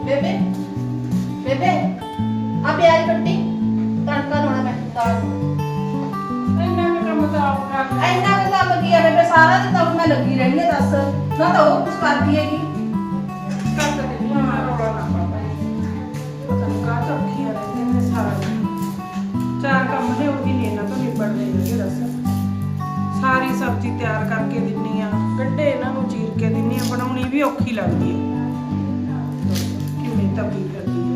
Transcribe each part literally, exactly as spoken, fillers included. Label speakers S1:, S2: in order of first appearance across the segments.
S1: ਬੇਬੇ ਬੇਬੇ ਆ ਪਿਆਜ਼ ਕੱਟੀ ਤੜਕਾ ਲਾਉਣਾ ਮੈਂ ਦਾਲ ਨੂੰ।
S2: ਇੰਨਾ ਕੁ ਕੰਮ ਤਾਂ ਆਪ ਕਰ ਲੈ।
S1: ਇੰਨਾ ਕੁ ਕੰਮ ਕੀ ਆ ਬੇਬੇ, ਸਾਰਾ ਦਿਨ ਤਾਂ ਮੈਂ ਲੱਗੀ ਰਹਿੰਦੀ ਆ। ਦੱਸ ਨਾ ਤਾਂ ਉਹ ਕੁਝ ਕਰਦੀ ਹੈਗੀ।
S2: ਕਰ ਤਾਂ ਦਿੰਦੀ ਹਾਂ ਮੈਂ, ਰੌਲਾ ਨਾ ਪਾ ਭਾਈ। ਪਤਾ ਨਹੀਂ ਕਾਹ ਤੋਂ ਔਖੀਆਂ ਰਹਿੰਦੀਆਂ ਨੇ ਸਾਰਾ ਦਿਨ। ਚਾਰ ਕੰਮ ਨੇ ਉਹ ਵੀ ਨਹੀਂ ਇਹਨਾਂ ਤੋਂ ਨਿਬੜਦੇ ਹੈਗੇ। ਦੱਸ ਸਾਰੀ ਸਬਜ਼ੀ ਤਿਆਰ ਕਰਕੇ ਦਿੰਨੀ ਆ, ਗੱਡੇ ਇਹਨਾਂ ਨੂੰ ਚੀਰ ਕੇ ਦਿੰਨੀ ਆ, ਬਣਾਉਣੀ ਵੀ ਔਖੀ ਲੱਗਦੀ ਹੈ। ਕਿੰਨੀ ਤਪੀ ਫਿਰਦੀ ਹੈ।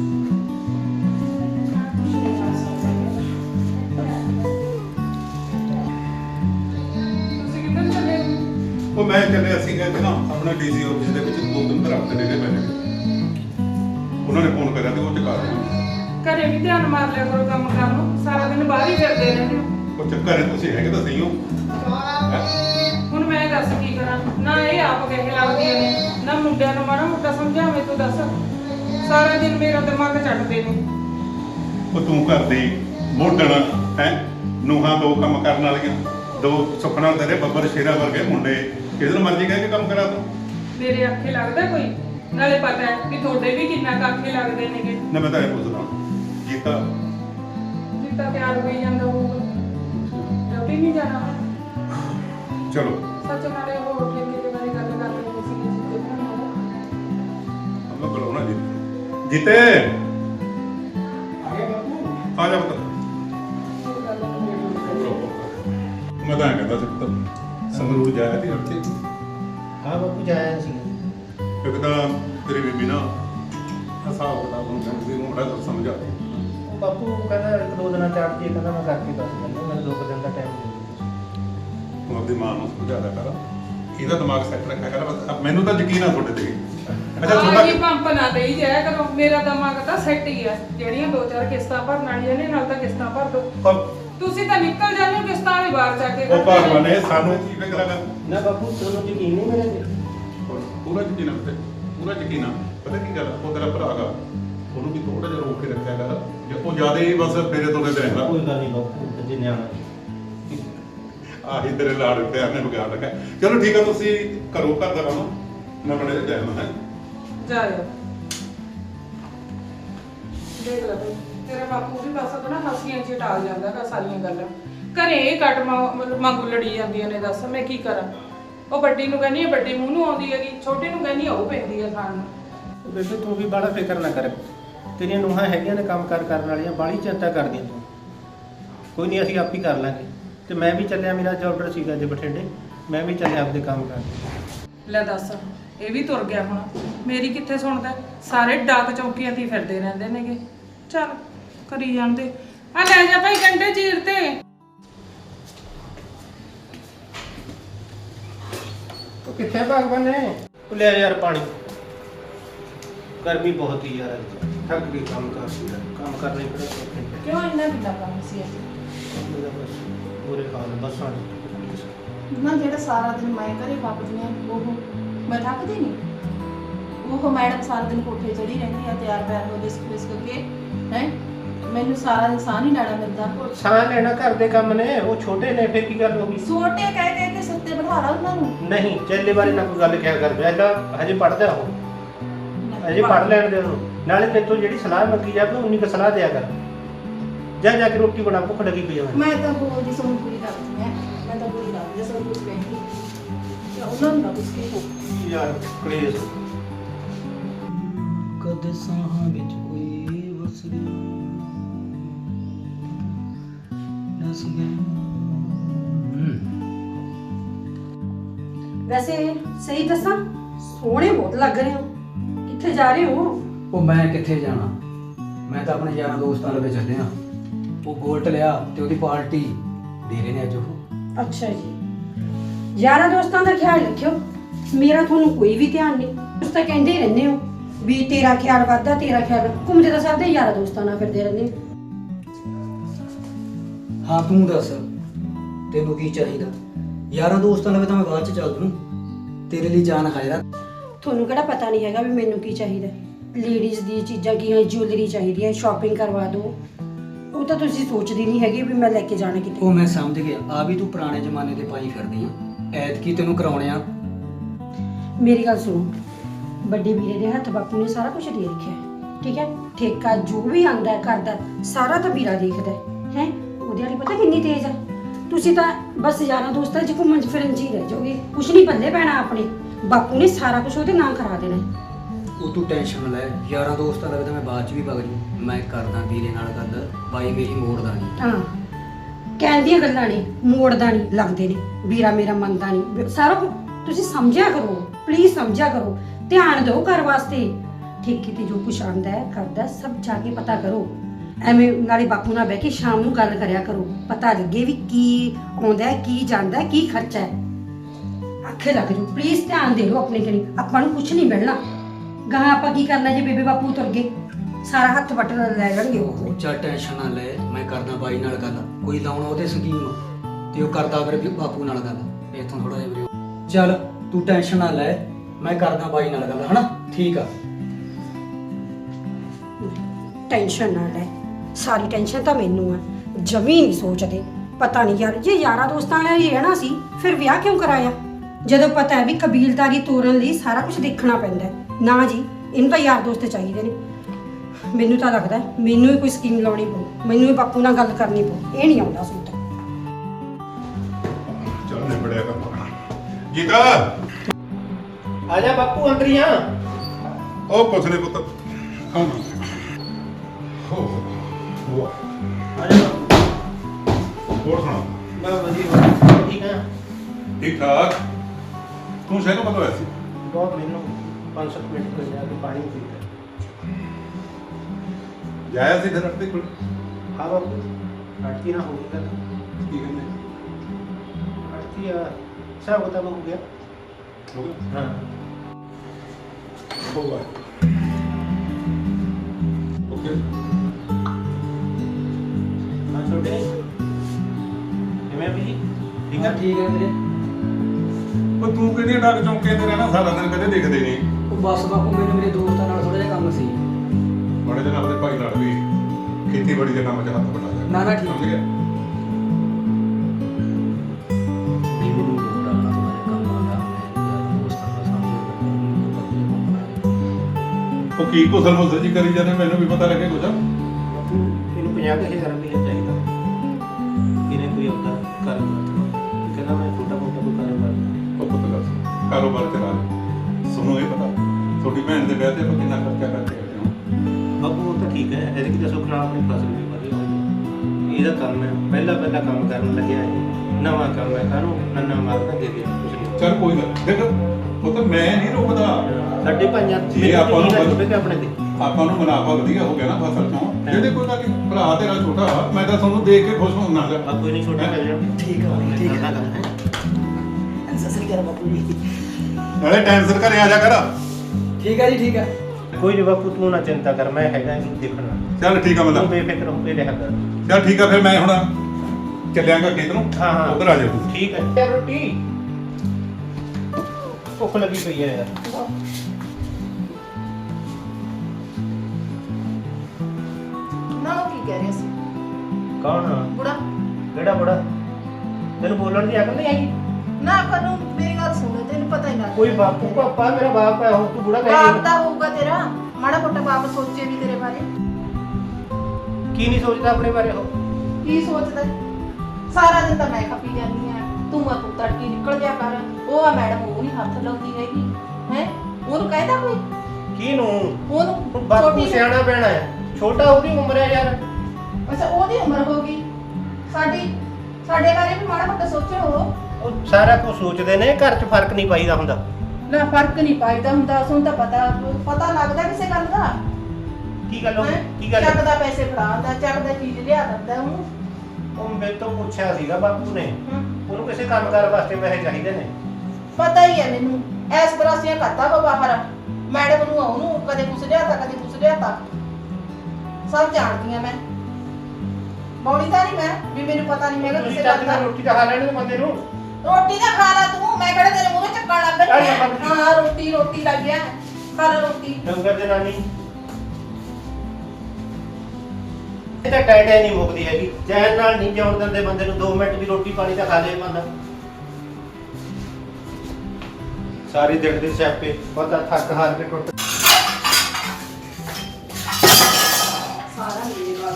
S2: ਤੁਸੀਂ ਕਿੱਧਰ ਚੱਲੇ ਹੋ?
S3: ਉਹ ਮੈਂ ਚੱਲੇ ਅਸੀਂ ਗਏ ਤੇ ਨਾ ਆਪਣਾ ਡੀਸੀ ਆਫਿਸ ਦੇ ਵਿੱਚ ਦੋ ਦਿਨ ਦਰਖਤ ਡੇਗੇ ਪੈਣੇ। ਉਹਨਾਂ ਨੇ ਫੋਨ ਕਰਿਆ ਤੇ ਉਹ ਚੁਕਾ ਰਹੇ।
S2: ਘਰੇ ਵੀ ਧਿਆਨ ਮਾਰ ਲਿਆ ਕਰੋ ਕੰਮ ਕਰਨ ਨੂੰ, ਸਾਰਾ ਦਿਨ ਬਾਹਰ ਹੀ ਫਿਰਦੇ ਰਹਿੰਦੇ ਹੋ।
S3: ਉਹ ਚੱਕਰ ਹੈ, ਤੁਸੀਂ ਹੈਗੇ ਤਾਂ ਸਹੀ ਹੋ। ਹੈਂ?
S2: ਹੁਣ ਮੈਂ ਦੱਸ ਕੀ ਕਰਾਂ, ਨਾ ਇਹ ਆਪ ਕਹੇ ਲੱਗਦੀਆਂ ਨੇ, ਨਾ ਮੁੰਡਿਆਂ ਨੂੰ ਮਾੜਾ ਮੋਟਾ ਸਮਝਾਵੇਂ। ਤੂੰ ਦੱਸ, ਸਾਰਾ ਦਿਨ ਮੇਰਾ ਦਿਮਾਗ ਚੱਟਦੇ ਨੇ।
S3: ਉਹ ਤੂੰ ਕਰਦੀ ਮੋਢਣ ਹੈ ਨੂਹਾਂ ਦੋ ਕੰਮ ਕਰਨ ਵਾਲੀਆਂ, ਦੋ ਸੁਪਨਾ ਤੇਰੇ ਬੱਬਰ ਸ਼ੇਰਾ ਵਰਗੇ ਮੁੰਡੇ, ਕਿਹਦੇ ਨਾਲ ਮਰਜ਼ੀ ਕਹਿ ਕੇ ਕੰਮ ਕਰਾ ਤੂੰ।
S2: ਮੇਰੇ ਅੱਖੇ ਲੱਗਦਾ ਕੋਈ? ਨਾਲੇ ਪਤਾ ਹੈ ਕਿ ਤੁਹਾਡੇ ਵੀ ਕਿੰਨਾ ਕੁ ਅੱਖੇ ਲੱਗਦੇ ਨੇਗੇ।
S3: ਨਾ ਮੈਂ ਤਾਂ ਇਹ ਪੁੱਛਦਾ ਜੀਤਾ
S2: ਜਿੱਦਾਂ ਤਿਆਰ ਹੋਈ ਜਾਂਦਾ ਹੋਊਗਾ, ਡਿਊਟੀ ਨਹੀਂ ਜਾਣਾ।
S3: ਚਲੋ
S2: ਸੱਚ ਨਾਲੇ ਉਹ ਠੇਕੇ ਦੇ ਬਾਰੇ ਗੱਲ ਕਰ ਰਹੇ ਸੀ ਕਿ ਜਿੱਦੇ ਬਣਾਉਣਾ।
S3: ਮੈਂ ਬੁਲਾਉਣਾ ਜੀ ਜੀਤੇ ਆ ਜਾ ਪੁੱਤ। ਮੈਂ ਤਾਂ ਐਂ ਕਹਿੰਦਾ ਸੀ ਪੁੱਤ ਸੰਗਰੂਰ ਜਾਇਆ ਤੇ ਉੱਥੇ
S4: ਹਾਂ ਬਾਪੂ ਜਾਇਆ ਸੀ।
S3: ਇੱਕ ਤਾਂ ਤੇਰੀ ਬੀਬੀ ਨਾ ਹਿਸਾਬ ਕਿਤਾਬ ਨੂੰ ਕਹਿੰਦੀ ਨੂੰ ਬੜਾ ਕੁਝ ਸਮਝਾ ਦੇ।
S4: ਉਹ ਬਾਪੂ ਕਹਿੰਦਾ ਇੱਕ ਦੋ ਦਿਨਾਂ ਚਾਟ ਜੀ ਕਹਿੰਦਾ ਮੈਂ ਕਰਕੇ ਦੱਸ ਦਿੰਦਾ, ਮੈਨੂੰ ਦੋ ਕੁ ਦਿਨ ਦਾ ਟਾਈਮ ਦੇ ਦਿਓ।
S3: ਤੂੰ ਆਪਣੀ ਮਾਂ ਨੂੰ ਸਮਝਾ ਦਿਆ ਕਰ, ਇਹਦਾ ਦਿਮਾਗ ਸੈੱਟ ਰੱਖਿਆ ਕਰ। ਬਸ ਮੈਨੂੰ ਤਾਂ ਯਕੀਨ ਆ ਤੁਹਾਡੇ ਤੇ। ਅੱਛਾ
S2: ਆਹ
S3: ਤੁਹਾਡਾ
S2: ਜੀ ਪੰਪ ਨਾ ਦੇਈ ਜਾਇਆ ਕਰੋ, ਮੇਰਾ ਦਿਮਾਗ ਤਾਂ ਸੈੱਟ ਹੀ ਆ। ਜਿਹੜੀਆਂ ਦੋ ਚਾਰ ਕਿਸ਼ਤਾਂ ਭਰਨ ਵਾਲੀਆਂ ਨੇ, ਨਾਲ ਤਾਂ ਕਿਸ਼ਤਾਂ ਭਰ ਦੋ।
S3: ਉਹ
S2: ਤੁਸੀਂ ਤਾਂ ਨਿਕਲ ਜਾਂਦੇ ਹੋ ਕਿਸ਼ਤਾਂ ਵਾਲੇ ਬਾਹਰ ਜਾ ਕੇ।
S3: ਉਹ ਭਗਵਾਨ ਨੇ ਸਾਨੂੰ ਕੀ ਫਿਕਰ ਕਰ
S4: ਨਾ ਬਾਪੂ ਤੁਹਾਨੂੰ ਯਕੀਨ ਨਹੀਂ ਮੇਰੇ ਤੇ?
S3: ਪੂਰਾ ਯਕੀਨ ਆ ਤੇ ਪੂਰਾ ਯਕੀਨ ਆ। ਪਤਾ ਕੀ ਗੱਲ, ਉਹ ਤੇਰਾ ਭਰਾ ਗਾ, ਉਹਨੂੰ ਵੀ ਥੋੜਾ ਜਿਹਾ ਰੋਕ ਕੇ ਰੱਖਿਆ ਕਰ। ਜੇ ਉਹ ਜ਼ਿਆਦਾ ਹੀ ਬਸ ਫੇਰੇ ਤੋਲੇ ਤੇ ਰਹਿੰਦਾ।
S4: ਕੋਈ ਗੱਲ ਨਹੀਂ ਬਾਪੂ, ਜੇ ਨਿਆਣਾ
S3: ਆਹੀ ਤੇਰੇ ਲਾੜ ਪਿਆਰ ਨੇ ਵਿਗਾੜ ਰੱਖਿਆ। ਚਲੋ ਠੀਕ ਆ, ਤੁਸੀਂ ਕਰੋ ਘਰ ਦਾ ਕੰਮ, ਮੈਂ ਬੜੇ ਜਿਹਾ ਜਾਇਆ ਮੈਂ।
S2: ਜਾਇਓ ਦੇਖ ਲੈ ਬਈ, ਤੇਰਾ ਬਾਪੂ ਵੀ ਬਸ ਆਪਣਾ ਹੱਸੀਆਂ ਚ ਟਾਲ ਜਾਂਦਾ ਗਾ ਸਾਰੀਆਂ ਗੱਲਾਂ। ਘਰੇ ਇਹ ਕੱਟ ਮੰਗੂ ਲੜੀ ਜਾਂਦੀਆਂ ਨੇ। ਦੱਸ ਮੈਂ ਕੀ ਕਰਾਂ? ਉਹ ਵੱਡੀ ਨੂੰ ਕਹਿੰਦੀ ਹੈ ਵੱਡੀ ਮੂੰਹ ਨੂੰ ਆਉਂਦੀ ਹੈਗੀ, ਛੋਟੇ ਨੂੰ ਕਹਿੰਦੀ ਆ ਉਹ ਪੈਂਦੀ ਹੈ ਖਾਣ ਨੂੰ।
S4: ਬੇਬੇ ਤੂੰ ਵੀ ਬੜਾ ਫਿਕਰ ਨਾ ਕਰ, ਤੇਰੀਆਂ ਨੂੰਹਾਂ ਹੈਗੀਆਂ ਨੇ ਕੰਮ ਕਾਰ ਕਰਨ ਵਾਲੀਆਂ, ਬਾਹਲੀ ਚਿੰਤਾ ਕਰਦੀਆਂ ਤੂੰ। ਕੋਈ ਨਹੀਂ, ਅਸੀਂ ਆਪ ਹੀ ਕਰ ਲਾਂਗੇ। ਤੇ ਮੈਂ ਵੀ ਚੱਲਿਆ, ਮੇਰਾ ਆਰਡਰ ਸੀਗਾ ਜੇ ਬਠਿੰਡੇ, ਮੈਂ ਵੀ ਚੱਲਿਆ ਆਪਦੇ ਕੰਮ ਕਰ।
S2: ਲੈ ਦੱਸ, ਇਹ ਵੀ ਤੁਰ ਗਿਆ ਹੁਣ, ਮੇਰੀ ਕਿੱਥੇ ਸੁਣਦਾ? ਸਾਰੇ ਡਾਕ ਚੌਕੀਆਂ ਤੇ ਹੀ ਫਿਰਦੇ ਰਹਿੰਦੇ ਨੇਗੇ। ਚੱਲ ਕਰੀ ਜਾਂਦੇ। ਆ ਲੈ ਜਾ ਭਾਈ ਗੰਡੇ ਚੀਰ ਤੇ।
S4: ਉਹ ਕਿੱਥੇ ਭਗਵਾਨ ਨੇ? ਉਹ ਲੈ ਯਾਰ ਪਾਣੀ, ਗਰਮੀ ਬਹੁਤ ਹੀ ਯਾਰ, ਥੱਕ ਗਈ ਕੰਮ ਕਰ ਕੰਮ ਕਰਨੇ ਪੜੇ।
S1: ਕਿਉਂ ਇੰਨਾ ਕਿੱਦਾਂ ਕੰਮ ਸੀ ਅੱਜ?
S4: ਮੇਰਾ ਬਸ ਪੂਰੇ ਹਾਲ ਬੱਸਾਂ
S1: ਨਾ ਜਿਹੜਾ ਸਾਰਾ ਦਿਨ ਮੈਂ ਘਰੇ ਵਗਦੀ ਆ, ਉਹ ਮੈਂ ਥੱਕਦੀ ਨਹੀਂ। ਉਹ ਮੈਡਮ ਸਾਰਾ ਦਿਨ ਕੋਠੇ ਚੜੀ ਰਹਿੰਦੀ ਆ, ਤਿਆਰ ਬਿਆਰ ਹੋ ਕੇ ਸਕੂਲ ਕਰਕੇ ਹੈ। ਮੈਨੂੰ ਸਾਰਾ ਦਿਨ ਸਾਹ ਨਹੀਂ ਲੈਣਾ ਮਿਲਦਾ।
S4: ਸਾਹ ਲੈਣਾ ਘਰ ਦੇ ਕੰਮ ਨੇ, ਉਹ ਛੋਟੇ ਨੇ, ਫਿਰ ਕੀ ਗੱਲ ਹੋ ਗਈ?
S1: ਛੋਟੇ ਕਹਿ ਕਹਿ ਕੇ ਸੱਤੇ ਬਿਠਾ ਲਾ ਉਹਨਾਂ ਨੂੰ।
S4: ਨਹੀਂ ਚੇਲੇ ਬਾਰੇ ਨਾ ਕੋਈ ਗੱਲ ਕਿਹਾ ਕਰ, ਪਹਿਲਾਂ ਹਜੇ ਪੜਦਾ ਉਹ, ਹਜੇ ਪੜ ਲੈਣ ਦੇ ਉਹਨੂੰ। ਨਾਲੇ ਤੇਤੋਂ ਜਿਹੜੀ ਸਲਾਹ ਮੰਗੀ ਜਾਵੇ ਉਨੀ ਕੁ ਸਲਾਹ ਦਿਆ ਕਰ। ਜਾ ਜਾ ਕੇ ਰੋਟੀ ਬਣਾ, ਭੁੱਖ ਲੱਗੀ ਪਈ ਆ ਮੈਨੂੰ।
S1: ਮੈਂ ਤਾਂ ਬੋਲਦੀ ਸੋਹਣੀ ਪੂਰੀ ਕਰਦੀ ਐ, ਮੈਂ ਤਾਂ ਬੁਰੀ ਲੱਗਦੀ ਸਭ ਕੁਝ ਕਹਿੰਦੀ ਤੇ ਉਹਨਾਂ ਨੂੰ ਨਾ ਕੁਝ ਕਹੋ।
S4: ਯਾਰ ਕਲੇਸ਼
S5: ਕਦੇ ਸਾਹਾਂ ਵਿੱਚ ਕੋਈ ਵਸ ਗਿਆ ਨਸ ਗਿਆ।
S6: ਵੈਸੇ ਸਹੀ ਦੱਸਾਂ, ਸੋਹਣੇ ਬਹੁਤ ਲੱਗ ਰਹੇ ਹੋ। ਕਿੱਥੇ ਜਾ ਰਹੇ ਹੋ?
S5: ਉਹ ਮੈਂ ਕਿੱਥੇ ਜਾਣਾ, ਮੈਂ ਤਾਂ ਆਪਣੇ ਯਾਰਾਂ ਦੋਸਤਾਂ ਲਵੇ ਚੱਲਿਆ। ਉਹ ਗੋਲਟ ਲਿਆ ਤੇ ਉਹਦੀ ਪਾਰਟੀ ਦੇ ਰਹੇ ਨੇ ਅੱਜ ਉਹ।
S6: ਅੱਛਾ ਜੀ, ਯਾਰਾਂ ਦੋਸਤਾਂ ਦਾ ਖਿਆਲ ਰੱਖਿਓ, ਮੇਰਾ ਤੁਹਾਨੂੰ ਕੋਈ ਵੀ ਧਿਆਨ ਨਹੀਂ। ਤੁਸੀਂ ਤਾਂ ਕਹਿੰਦੇ ਹੀ ਰਹਿੰਦੇ ਹੋ ਵੀ ਤੇਰਾ ਖਿਆਲ ਵੱਧਦਾ, ਤੇਰਾ ਖਿਆਲ। ਘੁੰਮਦੇ ਤਾਂ ਸਭ ਦੇ ਯਾਰਾਂ ਦੋਸਤਾਂ ਨਾਲ ਫਿਰਦੇ ਰਹਿੰਦੇ ਹੋ।
S5: ਹਾਂ ਤੂੰ ਦੱਸ, ਤੈਨੂੰ ਕੀ ਚਾਹੀਦਾ? ਯਾਰਾਂ ਦੋਸਤਾਂ ਲਵੇ ਤਾਂ ਮੈਂ ਬਾਅਦ ਚ ਚੱਲ ਦੂੰ, ਤੇਰੇ ਲਈ ਜਾਨ ਹਾਜ਼ਰ।
S6: ਤੁਹਾਨੂੰ ਕਿਹੜਾ ਪਤਾ ਨਹੀਂ ਹੈਗਾ ਵੀ ਮੈਨੂੰ ਕੀ ਚਾਹੀਦਾ? ਲੇਡੀਜ਼ ਦੀ ਚੀਜ਼ਾਂ ਕੀ ਹੈ, ਜੁਐਲਰੀ ਚਾਹੀਦੀ ਹੈ, ਸ਼ਾਪਿੰਗ ਕਰਵਾ ਦਿਓ। ਉਹ ਤਾਂ ਤੁਸੀਂ ਸੋਚਦੀ ਨਹੀਂ ਹੈਗੀ ਵੀ ਮੈਂ ਲੈ ਕੇ ਜਾਣਾ ਕਿਤੇ।
S5: ਉਹ ਮੈਂ ਸਮਝ ਗਿਆ, ਆ ਵੀ ਤੂੰ ਪੁਰਾਣੇ ਜ਼ਮਾਨੇ ਦੇ ਪਾਈ ਫਿਰਦੀ ਆ। ਐਤਕੀ ਤੈਨੂੰ ਕਰਾਉਣੇ ਆ।
S6: ਮੇਰੀ ਗੱਲ ਸੁਣੋ, ਵੱਡੇ ਵੀਰੇ ਦੇ ਹੱਥ ਬਾਪੂ ਨੇ ਸਾਰਾ ਕੁਝ ਦੇ ਰੱਖਿਆ ਹੈ, ਠੀਕ ਹੈ। ਠੇਕਾ ਜੋ ਵੀ ਆਂਦਾ ਕਰਦਾ ਸਾਰਾ ਤਾਂ ਵੀਰਾ ਦੇਖਦਾ ਹੈ। ਉਹਦੇ ਵਾਲੀ ਪਤਾ ਕਿੰਨੀ ਤੇਜ਼ ਹੈ। ਤੁਸੀਂ ਤਾਂ ਬਸ ਯਾਰਾਂ ਦੋਸਤਾਂ 'ਚ ਘੁੰਮਣ ਫਿਰਨ 'ਚ ਹੀ ਰਹਿ ਜਾਓਗੇ, ਕੁਛ ਨਹੀਂ ਪੱਲੇ ਪੈਣਾ ਆਪਣੇ। ਬਾਪੂ ਨੇ ਸਾਰਾ ਕੁਝ ਉਹਦੇ ਨਾਂ ਕਰਾ ਦੇਣਾ ਹੈ।
S5: ਉਹ ਤੂੰ ਟੈਨਸ਼ਨ ਨਾ ਲੈ, ਯਾਰਾਂ ਦੋਸਤਾਂ ਦਾ ਤਾਂ ਮੈਂ ਬਾਅਦ ਚ ਵੀ ਵਗ ਜੂ। ਮੈਂ ਕਰਦਾ ਵੀਰੇ ਨਾਲ ਗੱਲ, ਬਾਈ ਮੇਰੀ ਮੋੜਦਾ ਨਹੀਂ।
S6: ਹਾਂ ਕਹਿਣ ਦੀਆਂ ਗੱਲਾਂ ਨੇ, ਮੋੜਦਾ ਨਹੀਂ ਲੱਗਦੇ ਨੇ, ਵੀਰਾ ਮੇਰਾ ਮੰਨਦਾ ਨਹੀਂ। ਸਾਰਾ ਕੁਝ ਤੁਸੀਂ ਸਮਝਿਆ ਕਰੋ, ਪਲੀਜ਼ ਸਮਝਿਆ ਕਰੋ, ਧਿਆਨ ਦਿਓ ਘਰ ਵਾਸਤੇ। ਠੇਕੇ ਤੇ ਜੋ ਕੁਛ ਆਉਂਦਾ ਹੈ ਕਰਦਾ ਸਭ ਜਾ ਕੇ ਪਤਾ ਕਰੋ। ਐਵੇਂ ਨਾਲੇ ਬਾਪੂ ਨਾਲ ਬਹਿ ਕੇ ਸ਼ਾਮ ਨੂੰ ਗੱਲ ਕਰਿਆ ਕਰੋ, ਪਤਾ ਲੱਗੇ ਵੀ ਕੀ ਆਉਂਦਾ ਹੈ, ਕੀ ਜਾਂਦਾ ਹੈ, ਕੀ ਖਰਚਾ ਹੈ। ਅੱਖੇ ਲੱਗ ਜਾਓ, ਪਲੀਜ਼ ਧਿਆਨ ਦੇ ਲਓ ਆਪਣੇ ਕਨੀ। ਆਪਾਂ ਨੂੰ ਕੁਝ ਨਹੀਂ ਮਿਲਣਾ ਗਾਂ। ਆਪਾਂ ਕੀ ਕਰਨਾ ਜੇ ਬੇਬੇ ਬਾਪੂ ਤੁਰ ਗਏ, ਸਾਰਾ ਹੱਥ ਵੱਟ ਲੈ ਲੈਣਗੇ ਉਹ।
S5: ਚੱਲ ਟੈਨਸ਼ਨ ਨਾ ਲੈ, ਮੈਂ ਕਰਦਾ ਬਾਈ ਨਾਲ ਗੱਲ। ਕੋਈ ਲਾਉਣਾ ਉਹਦੇ ਸਕੀਮ ਤੇ ਉਹ ਕਰਦਾ ਫਿਰ ਵੀ ਬਾਪੂ ਨਾਲ ਗੱਲ। ਇੱਥੋਂ ਥੋੜਾ ਜਿਹਾ ਵੀਰੇ ਚੱਲ ਤੂੰ ਟੈਨਸ਼ਨ ਨਾ ਲੈ, ਮੈਂ ਕਰਦਾ ਬਾਈ ਨਾਲ ਗੱਲ, ਹਨਾ? ਠੀਕ ਆ।
S6: ਟੈਨਸ਼ਨ ਨਾ ਲੈ, ਸਾਰੀ ਟੈਨਸ਼ਨ ਤਾਂ ਮੈਨੂੰ ਆ। ਜਮੀ ਨਹੀਂ ਸੋਚਦੇ। ਪਤਾ ਨਹੀਂ ਯਾਰ, ਜੇ ਯਾਰਾਂ ਦੋਸਤਾਂ ਨਾਲ ਹੀ ਰਹਿਣਾ ਸੀ ਫਿਰ ਵਿਆਹ ਕਿਉਂ ਕਰਾਇਆ, ਜਦੋਂ ਪਤਾ ਹੈ ਵੀ ਕਬੀਲਦਾਰੀ ਤੋਰਨ ਲਈ ਸਾਰਾ ਕੁਝ ਦੇਖਣਾ ਪੈਂਦਾ ਹੈ। ਨਾ ਜੀ, ਇਹਨੂੰ ਤਾਂ ਯਾਰ ਦੋਸਤ ਚਾਹੀਦੇ ਨੇ। ਮੈਨੂੰ ਤਾਂ ਲੱਗਦਾ ਮੈਨੂੰ ਹੀ ਕੋਈ ਸਕੀਮ ਲਾਉਣੀ ਪਊ, ਮੈਨੂੰ ਹੀ ਬਾਪੂ ਨਾਲ ਗੱਲ ਕਰਨੀ ਪਊ। ਇਹ ਨਹੀਂ ਆਉਂਦਾ ਸੂਟ।
S3: ਚੱਲ ਨਿਬੜਿਆ ਕੰਮ ਆਪਣਾ। ਜੀਤਾ
S4: ਆ ਜਾ ਬਾਪੂ ਅੰਦਰ ਹੀ ਆ।
S3: ਉਹ ਕੁਛ ਨੀ ਪੁੱਤ ਆਉਣਾ। ਹੋ ਹੋ
S4: ਆ ਜਾ ਬਾਪੂ।
S3: ਹੋਰ ਸੁਣਾ?
S4: ਮੈਂ ਵਧੀਆ, ਠੀਕ ਆ।
S3: ਠੀਕ ਠਾਕ। ਤੂੰ ਸ਼ਹਿਰੋਂ ਕਦੋਂ ਆਇਆ ਸੀ?
S4: ਬਹੁਤ ਮੈਨੂੰ ਪੰਜ ਸੱਤ ਮਿੰਟ ਤੋਂ ਜਾ ਕੇ ਪਾਣੀ ਪੀਤਾ।
S3: ਜਾਇਆ ਸੀ ਫਿਰ ਅੱਡੇ ਕੋਲ?
S4: ਹਾਂ ਬਾਪੂ, ਆੜਤੀ ਨਾ ਹੋ ਗਈ ਗੱਲ।
S3: ਕੀ ਕਹਿੰਦੇ?
S4: ਆੜਤੀ ਆ ਸਭ ਖਤਮ ਹੋ ਗਿਆ।
S3: ਹੋ ਗਿਆ?
S4: ਹਾਂ
S3: ਹੋ ਗਿਆ। ਓਕੇ।
S4: ਹਾਂ ਛੋਟੇ ਕਿਵੇਂ ਆ ਵੀ? ਠੀਕ ਆ।
S5: ਠੀਕ ਹੈ ਵੀਰੇ।
S3: ਉਹ ਤੂੰ ਕਿਹੜੀਆਂ ਡੱਕ ਚੌਂਕੇ ਤੇ ਰਹਿਣਾ ਸਾਰਾ ਦਿਨ, ਕਦੇ ਦਿਖਦੇ ਨਹੀਂ।
S5: ਉਹ ਬਸ ਬਾਪੂ ਮੈਨੂੰ ਮੇਰੇ ਦੋਸਤਾਂ ਨਾਲ ਥੋੜਾ ਜਿਹਾ ਕੰਮ ਸੀ।
S3: ਬੜੇ ਦਿਨ ਆਪਣੇ ਭਾਈ ਨਾਲ ਵੀ ਖੇਤੀਬਾੜੀ ਦੇ ਕੰਮ 'ਚ ਹੱਥ ਵਟਾ ਲਿਆ।
S5: ਨਾ, ਨਾ, ਠੀਕ।
S3: ਸਮਝ ਗਿਆ?
S5: ਨਹੀਂ ਮੈਨੂੰ ਲੋੜ ਆ ਨਾ ਥੋੜਾ ਜਿਹਾ ਕੰਮ ਆ ਗਿਆ। ਮੈਂ ਯਾਰ ਦੋਸਤਾਂ ਨਾਲ ਸਾਹਮਣੇ
S3: ਉਹ ਕੀ ਕੁਸਲ ਮੁਸਲ ਜੀ ਕਰੀ ਜਾਂਦੇ, ਮੈਨੂੰ ਵੀ ਪਤਾ ਲੱਗੇ ਕੁਝ।
S4: ਬਾਪੂ ਇਹਨੂੰ ਪੰਜਾਹ ਕੁ ਹਜ਼ਾਰ ਰੁਪਇਆ ਚਾਹੀਦਾ। ਇਹਨੇ ਕੋਈ ਆਪਦਾ ਕਾਰੋਬਾਰ ਕਹਿੰਦਾ ਮੈਂ ਛੋਟਾ ਮੋਟਾ ਕੋਈ ਕਾਰੋਬਾਰ।
S3: ਉਹ ਪੁੱਤ ਗੱਲ ਸੁਣ, ਕਾਰੋਬਾਰ ਚਲਾ ਲੈ। ਸੁਣੋ ਇਹ ਪਤਾ, ਤੁਹਾਡੀ ਭੈਣ ਦੇ ਵਿਆਹ ਤੇ ਆਪਾਂ ਕਿੰਨਾ ਖਰਚਾ ਕਰਕੇ ਆਏ ਹਾਂ।
S4: ਬਾਪੂ ਉਹ ਤਾਂ ਠੀਕ ਹੈ, ਇਹਦੇ ਕਿਤੇ ਸੁੱਖ ਨਾਲ ਆਪਣੀ ਫਸਲ ਵੀ ਵਧੀਆ ਹੋਈ। ਇਹਦਾ ਕੰਮ ਹੈ, ਪਹਿਲਾ ਪਹਿਲਾ ਕੰਮ ਕਰਨ ਲੱਗਿਆ ਹੈ। ਨਵਾਂ ਕੰਮ ਹੈ, ਕਾਹਨੂੰ ਨੰਨਾ ਮਾਰਨਾ ਦੇ ਦੇ ਕੁਛ ਨਹੀਂ।
S3: ਚੱਲ ਕੋਈ ਗੱਲ ਦੇਖ ਪੁੱਤ, ਮੈਂ ਨਹੀਂ ਰੋਕਦਾ।
S4: ਸਾਡੇ ਭਾਈਆਂ
S3: ਜੇ ਆਪਾਂ ਨੂੰ
S4: ਛੋਟੇ ਤੇ ਆਪਣੇ ਤੇ
S3: ਆਪਾਂ ਨੂੰ ਮੁਨਾਫਾ ਵਧੀਆ ਹੋ ਗਿਆ ਨਾ ਫਸਲ ਤੋਂ, ਜਿਹੜੇ ਕੋਈ ਗੱਲ ਨੀ, ਭਰਾ ਤੇਰਾ ਛੋਟਾ ਵਾ, ਮੈਂ ਤਾਂ ਤੁਹਾਨੂੰ ਦੇਖ ਕੇ ਖੁਸ਼ ਹੋਣਾ ਗਾ।
S4: ਆ ਕੋਈ ਨਹੀਂ ਛੋਟਾ ਮਿਲ ਜਾਣ।
S5: ਠੀਕ ਆ ਬਾਈ, ਠੀਕ ਆ।
S4: ਸਤਿ ਸ੍ਰੀ ਅਕਾਲ ਬਾਪੂ ਜੀ।
S3: ਨਾਲੇ ਟਾਈਮ ਸਿਰ ਘਰੇ ਆ ਜਾ ਕਰ।
S5: ਠੀਕ ਆ ਜੀ, ਠੀਕ ਆ।
S4: ਕੋਈ ਨਹੀਂ ਬਾਪੂ, ਤੂੰ ਨਾ ਚਿੰਤਾ ਕਰ, ਮੈਂ ਹੈਗਾ ਇਹਨੂੰ ਦੇਖਣਾ।
S3: ਚੱਲ ਠੀਕ ਆ
S4: ਤੂੰ
S3: ਮਤਲਬ।
S4: ਬੇਫਿਕਰ ਹੋ ਕੇ ਰਿਹਾ ਕਰ।
S3: ਚੱਲ ਠੀਕ ਆ, ਫਿਰ ਮੈਂ ਹੁਣ ਚੱਲਿਆਂਗਾ ਖੇਤ ਨੂੰ।
S4: ਹਾਂ ਹਾਂ
S3: ਉਧਰ ਆ ਜਾ ਤੂੰ।
S4: ਠੀਕ ਹੈ। ਯਾਰ ਰੋਟੀ ਭੁੱਖ ਲੱਗੀ ਪਈ ਹੈ ਯਾਰ।
S1: ਨਾ ਉਹ ਕੀ ਕਹਿ ਰਿਹਾ ਸੀ
S4: ਕੌਣ?
S1: ਬੁੜਾ?
S4: ਕਿਹੜਾ ਬੜਾ? ਤੈਨੂੰ ਬੋਲਣ ਦੀ ਅਕਲ ਨਹੀਂ ਆਈ?
S1: ਨਾ ਪਰ ਨੂੰ ਮੇਰੀ ਗੱਲ ਸੁਣ, ਤੈਨੂੰ ਪਤਾ ਹੀ ਨਾ
S4: ਕੋਈ ਬਾਪੂ ਪਾਪਾ ਮੇਰਾ ਬਾਪ ਹੈ, ਉਹ ਤੂੰ ਬੁੜਾ ਕਹਿ
S1: ਬਾਪ
S4: ਰਹੀ
S1: ਦਾ ਹੋਊਗਾ ਤੇਰਾ, ਮਾੜਾ ਮੋਟਾ ਬਾਪ ਸੋਚੇ ਵੀ ਤੇਰੇ ਬਾਰੇ।
S4: ਕੀ ਨਹੀਂ ਸੋਚਦਾ ਆਪਣੇ ਬਾਰੇ ਉਹ?
S1: ਕੀ ਸੋਚਦਾ? ਸਾਰਾ ਦਿਨ ਤਾਂ ਮੈਂ ਖਪੀ ਜਾਂਦੀ ਆ, ਤੂੰ ਆ ਤੂੰ ਤੜਕੀ ਨਿਕਲ ਜਾ ਕਰ। ਉਹ ਆ ਮੈਡਮ ਉਹ ਨਹੀਂ ਹੱਥ ਲਾਉਂਦੀ ਹੈਗੀ ਹੈ। ਉਹਨੂੰ ਕਹਿੰਦਾ ਕੋਈ?
S4: ਕੀ ਨੂੰ?
S1: ਉਹਨੂੰ
S4: ਤੂੰ ਬਾਪੂ
S1: ਛੋਟੀ-
S4: ਸਿਆਣਾ ਪੈਣਾ ਹੈ, ਛੋਟਾ ਉਹਦੀ ਉਮਰ ਹੈ ਯਾਰ।
S1: ਅੱਛਾ ਉਹਦੀ ਉਮਰ ਹੋ ਗਈ, ਸਾਡੀ ਸਾਡੇ ਬਾਰੇ ਵੀ ਮਾੜਾ ਮੋਟਾ ਸੋਚੋ। ਉਹ
S4: ਉਹ ਸਾਰਾ ਕੁਝ ਸੋਚਦੇ ਨੇ, ਘਰ 'ਚ ਫਰਕ ਨਹੀਂ ਪਾਈਦਾ ਹੁੰਦਾ।
S1: ਨਾ ਫਰਕ ਨਹੀਂ ਪਾਈਦਾ ਹੁੰਦਾ, ਸੁਣ ਤਾਂ ਪਤਾ ਪਤਾ ਲੱਗਦਾ ਕਿਸੇ ਗੱਲ ਦਾ।
S4: ਕੀ ਗੱਲ ਹੋ ਗਈ?
S1: ਹੈਂ?
S4: ਕੀ ਗੱਲ?
S1: ਚੱਕਦਾ ਪੈਸੇ ਫੜਾਉਂਦਾ, ਚੱਕਦਾ ਚੀਜ਼ ਲਿਆ ਦਿੰਦਾ ਉਹਨੂੰ।
S4: ਉਹ ਮੇਰੇ ਤੋਂ ਪੁੱਛਿਆ ਸੀਗਾ ਬਾਪੂ ਨੇ,
S1: ਹਮ,
S4: ਉਹਨੂੰ ਕਿਸੇ ਕੰਮਕਾਰ ਵਾਸਤੇ ਪੈਸੇ ਚਾਹੀਦੇ ਨੇ।
S1: ਪਤਾ ਹੀ ਹੈ ਮੈਨੂੰ, ਐਸ ਬਰਾਸੀਆਂ ਕਰਤਾ ਵਾ ਬਾਹਰ ਮੈਡਮ ਨੂੰ, ਉਹਨੂੰ ਕਦੇ ਕੁਛ ਲਿਆਤਾ ਕਦੇ ਕੁਛ ਲਿਆਤਾ, ਸਭ ਜਾਣਦੀਆਂ ਮੈਂ। ਬੌੜੀ ਤਾਂ ਨਹੀਂ ਮੈਂ ਵੀ ਮੈਨੂੰ ਪਤਾ ਨਹੀਂ, ਮੈਂ ਕਿਹਾ
S4: ਤੁਸੀਂ
S1: ਕਿਸੇ
S4: ਚੱਜ
S1: ਗੱਲ
S4: ਨਾਲ
S1: ਦਾ।
S4: ਰੋਟੀ ਤਾਂ ਖਾ ਲੈਣ ਦੇ ਬੰਦੇ ਨੂੰ।
S1: ਰੋਟੀ ਤਾਂ ਖਾ ਲਾ ਤੂੰ, ਮੈਂ ਕਿਹੜਾ ਤੇਰੇ ਮੂੰਹ ਵਿੱਚ ਚੱਕਣ ਲੱਗ
S4: ਚੱਲ
S1: ਗਈ
S4: ਜਾ
S1: ਹਾਂ।
S4: ਬਾਬੂ।
S1: ਹਾਂ ਰੋਟੀ ਰੋਟੀ ਲੱਗ ਗਿਆ, ਖਾ ਲਾ ਰੋਟੀ।
S4: ਡੰਗਰ ਦੇ ਨਾਨੀ ਇਹ ਤਾਂ ਟੈਟੇ ਨਹੀਂ ਮੁੱਕਦੀ ਹੈਗੀ, ਚੈਨ ਨਾਲ ਨਹੀਂ ਜਿਉਣ ਦਿੰਦੇ ਬੰਦੇ ਨੂੰ। ਦੋ ਮਿੰਟ ਵੀ ਰੋਟੀ ਪਾਣੀ ਤਾਂ ਖਾ ਲੇ ਬੰਦਾ। ਸਾਰੀ ਦਿਨ ਦੇ ਸਿਆਪੇ ਪਤਾ ਥੱਕ ਹਾਰ ਕੇ ਟੁੱਟ
S1: ਸਾਰਾ ਮੇਰੇ ਵੱਲ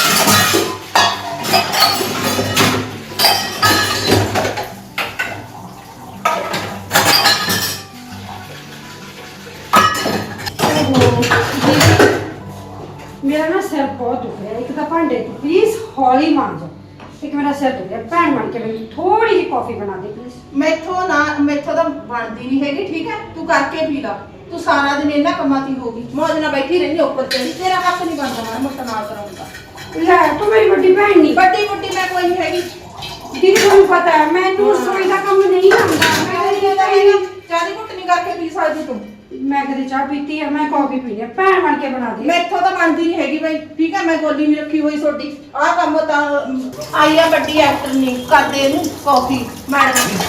S6: ਮੇਰਾ ਨਾ ਸਿਰ ਬਹੁਤ ਦੁਖ ਰਿਹਾ। ਇੱਕ ਤਾਂ ਭਾਂਡੇ ਪਲੀਜ਼ ਹੌਲੀ ਮਾਂਜ। ਇੱਕ ਮੇਰਾ ਸਿਰ ਦੁਖ ਰਿਹਾ। ਭੈਣ ਬਣ ਕੇ ਮੈਨੂੰ ਥੋੜੀ ਜਿਹੀ ਕਾਫੀ ਬਣਾ ਦੇ ਪਲੀਜ਼।
S1: ਮੈਥੋਂ ਨਾ ਮੈਥੋਂ ਤਾਂ ਬਣਦੀ ਨਹੀਂ ਹੈਗੀ, ਠੀਕ ਹੈ? ਤੂੰ ਕਰਕੇ ਪੀ ਲਾ। ਤੂੰ ਸਾਰਾ ਦਿਨ ਇਹਨਾਂ ਕੰਮਾਂ 'ਤੇ ਹੀ ਹੋਗੀ, ਮੌਜ ਨਾਲ ਬੈਠੀ ਰਹਿੰਦੀ ਉੱਪਰ ਤੇ। ਤੇਰਾ ਹੱਥ ਨਹੀਂ ਬਣਦਾ ਮਾੜਾ ਮੋਟਾ ਨਾਲ ਕਰਾਉਂਦਾ।
S6: ਲੈ ਤੂੰ ਮੇਰੀ ਵੱਡੀ ਭੈਣ ਨਹੀਂ।
S1: ਵੱਡੀ ਮੁੱਟੀ ਮੈਂ ਕੋਈ ਨਹੀਂ ਹੈਗੀ।
S6: ਦੀਦੀ ਤੁਹਾਨੂੰ ਪਤਾ ਹੈ ਮੈਨੂੰ ਰਸੋਈ ਦਾ ਕੰਮ ਨਹੀਂ ਆਉਂਦਾ।
S1: ਮੈਂ ਨਹੀਂ ਇਹਦਾ ਹੈਗਾ, ਚਾਹ ਦੀ ਘੁੱਟ ਨਹੀਂ ਕਰਕੇ ਪੀ ਸਕਦੀ ਤੂੰ।
S6: ਮੈਂ ਕਦੇ ਚਾਹ ਪੀਤੀ ਹੈ, ਮੈਂ ਕਾਫੀ ਪੀਣੀ ਹੈ। ਭੈਣ ਬਣ ਕੇ ਬਣਾ ਦੇ।
S1: ਮੈਥੋਂ ਤਾਂ ਬਣਦੀ ਨਹੀਂ ਹੈਗੀ ਬਈ, ਠੀਕ ਹੈ? ਮੈਂ ਗੋਲੀ ਨਹੀਂ ਰੱਖੀ ਹੋਈ ਤੁਹਾਡੀ। ਆਹ ਕੰਮ ਤਾਂ ਅਮ, ਆਈ ਆ ਵੱਡੀ ਐਕਟਰ ਨਹੀਂ ਕਰਦੇ ਇਹਨੂੰ ਕਾਫੀ ਮੈਡਮ ਦੀ।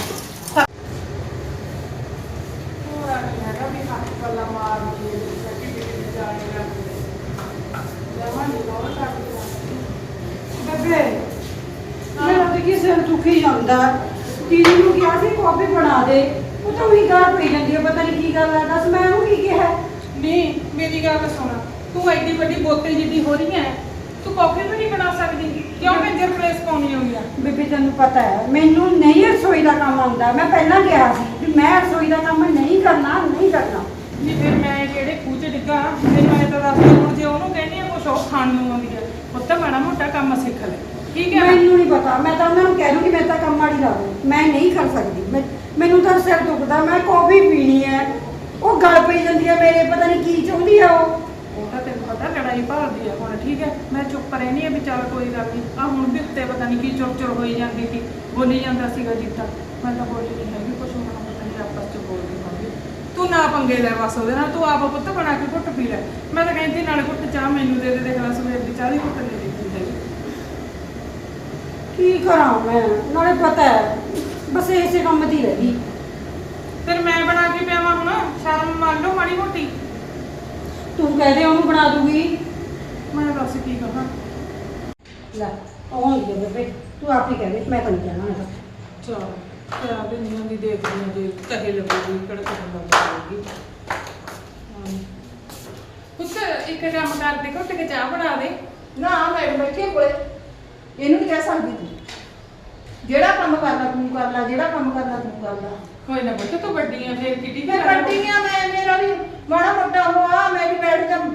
S6: ਬੇਬੇ ਮੇਰਾ ਤਾਂ ਕੀ ਸਿਰ ਦੁਖੀ ਜਾਂਦਾ। ਦੀਦੀ ਨੂੰ ਕਿਹਾ ਸੀ ਕਾਫੀ ਬਣਾ ਦੇ, ਉਹ ਤਾਂ ਉਹੀ ਗਾਲ ਪਈ ਜਾਂਦੀ ਹੈ। ਪਤਾ ਨਹੀਂ ਕੀ ਗੱਲ ਹੈ, ਦੱਸ ਮੈਂ ਉਹਨੂੰ ਕੀ ਕਿਹਾ?
S2: ਨਹੀਂ ਮੇਰੀ ਗੱਲ ਸੁਣ, ਤੂੰ ਐਡੀ ਵੱਡੀ ਬੋਤਲ ਜਿੱਡੀ ਹੋ ਰਹੀ ਹੈ, ਤੂੰ ਕਾਫੀ ਵੀ ਨਹੀਂ ਬਣਾ ਸਕਦੀ? ਕਿਉਂ ਮੇਜਰ ਪਲੇਸ ਪਾਉਣੀ ਹੋਈ ਆ?
S6: ਬੇਬੇ ਤੈਨੂੰ ਪਤਾ ਹੈ ਮੈਨੂੰ ਨਹੀਂ ਰਸੋਈ ਦਾ ਕੰਮ ਆਉਂਦਾ। ਮੈਂ ਪਹਿਲਾਂ ਕਿਹਾ ਸੀ ਵੀ ਮੈਂ ਰਸੋਈ ਦਾ ਕੰਮ ਨਹੀਂ ਕਰਨਾ, ਨਹੀਂ ਕਰਨਾ।
S2: ਨਹੀਂ ਫਿਰ ਮੈਂ ਕਿਹੜੇ ਖੂਹ 'ਚ ਡਿੱਗਾ? ਮੈਨੂੰ ਇਹ ਤਾਂ ਦੱਸ ਦੇ। ਹੁਣ ਜੇ ਉਹਨੂੰ ਕਹਿੰਦੀ ਆ ਕੁਛ ਉਹ ਖਾਣ ਨੂੰ ਆਉਂਦੀ ਹੈ, ਉਹ ਤਾਂ ਮਾੜਾ ਮੋਟਾ ਕੰਮ ਸਿੱਖ ਲੈ, ਠੀਕ ਹੈ ਨਾ?
S6: ਮੈਨੂੰ ਨਹੀਂ ਪਤਾ, ਮੈਂ ਤਾਂ ਉਹਨਾਂ ਨੂੰ ਕਹਿ ਦੂੰਗੀ ਮੈਂ ਤਾਂ ਕੰਮ ਵਾਲੀ ਲਾ ਦੂੰ। ਮੈਂ ਨਹੀਂ ਕਰ ਸਕਦੀ। ਮੈਂ ਮੈਨੂੰ ਤਾਂ ਸਿਰ ਦੁਖਦਾ, ਮੈਂ ਕਾਫੀ ਪੀਣੀ ਹੈ। ਉਹ ਗਲ ਪਈ ਜਾਂਦੀ ਹੈ ਮੇਰੇ, ਪਤਾ ਨਹੀਂ ਕੀ ਚਾਹੁੰਦੀ ਆ ਉਹ।
S2: ਉਹ ਤਾਂ ਤੈਨੂੰ ਪਤਾ ਲੜਾਈ ਭਾਲਦੀ ਆ ਹੁਣ, ਠੀਕ ਹੈ? ਮੈਂ ਚੁੱਪ ਰਹਿਣੀ ਆ ਵੀ ਚੱਲ ਕੋਈ ਗੱਲ ਨਹੀਂ। ਆ ਹੁਣ ਵੀ ਉੱਤੇ ਪਤਾ ਨਹੀਂ ਕੀ ਚੁਰ ਚੁਰ ਹੋਈ ਜਾਂਦੀ ਸੀ, ਬੋਲੀ ਜਾਂਦਾ ਸੀਗਾ ਜੀਤਾ। ਮੈਂ ਤਾਂ ਬੋਲੀ ਨਹੀਂ ਹੈਗੀ ਕੁਛ, ਹੁਣ ਪਤਾ ਨਹੀਂ ਆਪਸ 'ਚ ਬੋਲਦੀ ਹੋਣੀ। ਤੂੰ ਨਾ ਪੰਗੇ ਲੈ ਬਸ ਉਹਦੇ ਨਾਲ, ਤੂੰ ਆਪ ਪੁੱਤ ਬਣਾ ਕੇ ਘੁੱਟ ਪੀ ਲੈ। ਮੈਂ ਤਾਂ ਕਹਿੰਦੀ ਨਾਲੇ ਘੁੱਟ ਚਾਹ ਮੈਨੂੰ ਦੇ ਦੇ, ਦੇਖ ਲੈ ਸਵੇਰ ਦੀ ਚਾਹ ਦੀ ਘੁੱਟ ਨਹੀਂ ਦਿੱਤੀ ਹੈਗੀ।
S6: ਕੀ ਕਰਾਂ ਮੈਂ, ਨਾਲੇ ਪਤਾ ਹੈ ਬਸ ਇਸੇ ਕੰਮ ਦੀ ਰਹਿ ਗਈ।
S2: ਫਿਰ ਮੈਂ ਬਣਾ ਕੇ ਪਿਆਵਾਂ ਹੁਣ? ਸ਼ਰਮ ਮੰਨ ਲਓ ਮਾੜੀ ਮੋਟੀ।
S6: ਤੂੰ ਕਹਿ ਦੇ ਉਹਨੂੰ ਬਣਾ ਦੂਗੀ।
S2: ਮੈਂ ਦੱਸ ਕੀ ਕਹਾਂ?
S6: ਲੈ ਆਉਂਦੀ ਹੈ ਬੇਬੇ, ਤੂੰ ਆਪ ਹੀ ਕਹਿ ਦੇ, ਮੈਂ ਤਾਂ ਨਹੀਂ ਕਹਿਣਾ ਮੈਂ ਤਾਂ।
S2: ਚਲ ਕਰਾ ਦਿੰਦੀ ਹਾਂ ਦੀ ਦੇਖਦੀ ਹਾਂ, ਜੇ ਕਹੇ ਲੱਗੂਗੀ ਕਿਹੜਾ ਕੰਮ ਕਰੂਗੀ। ਪੁੱਤ ਇੱਕ ਕੰਮ ਕਰ ਦੇ, ਘੁੱਟ ਕੇ ਚਾਹ ਬਣਾ ਦੇ।
S1: ਨਾ ਮੈਡਮ ਬੈਠੀ ਕੋਲੇ, ਇਹਨੂੰ ਨਹੀਂ ਕਹਿ ਸਕਦੀ ਤੂੰ। ਜਿਹੜਾ ਕੰਮ ਕਰਨਾ ਤੂੰ ਕਰ ਲੈ, ਜਿਹੜਾ ਕੰਮ ਕਰਨਾ ਤੂੰ ਕਰ ਲੈ।
S2: ਕੋਈ ਨਾ ਪੁੱਤ ਤੂੰ ਵੱਡੀ ਆ, ਫਿਰ ਕਿੱਡੀ
S1: ਫਿਰ ਵੱਡੀਆਂ ਮੈਂ, ਮੇਰਾ ਵੀ ਮਾੜਾ ਮੋਟਾ ਹੋਆ, ਮੈਂ ਵੀ ਬੈਠ ਜਾ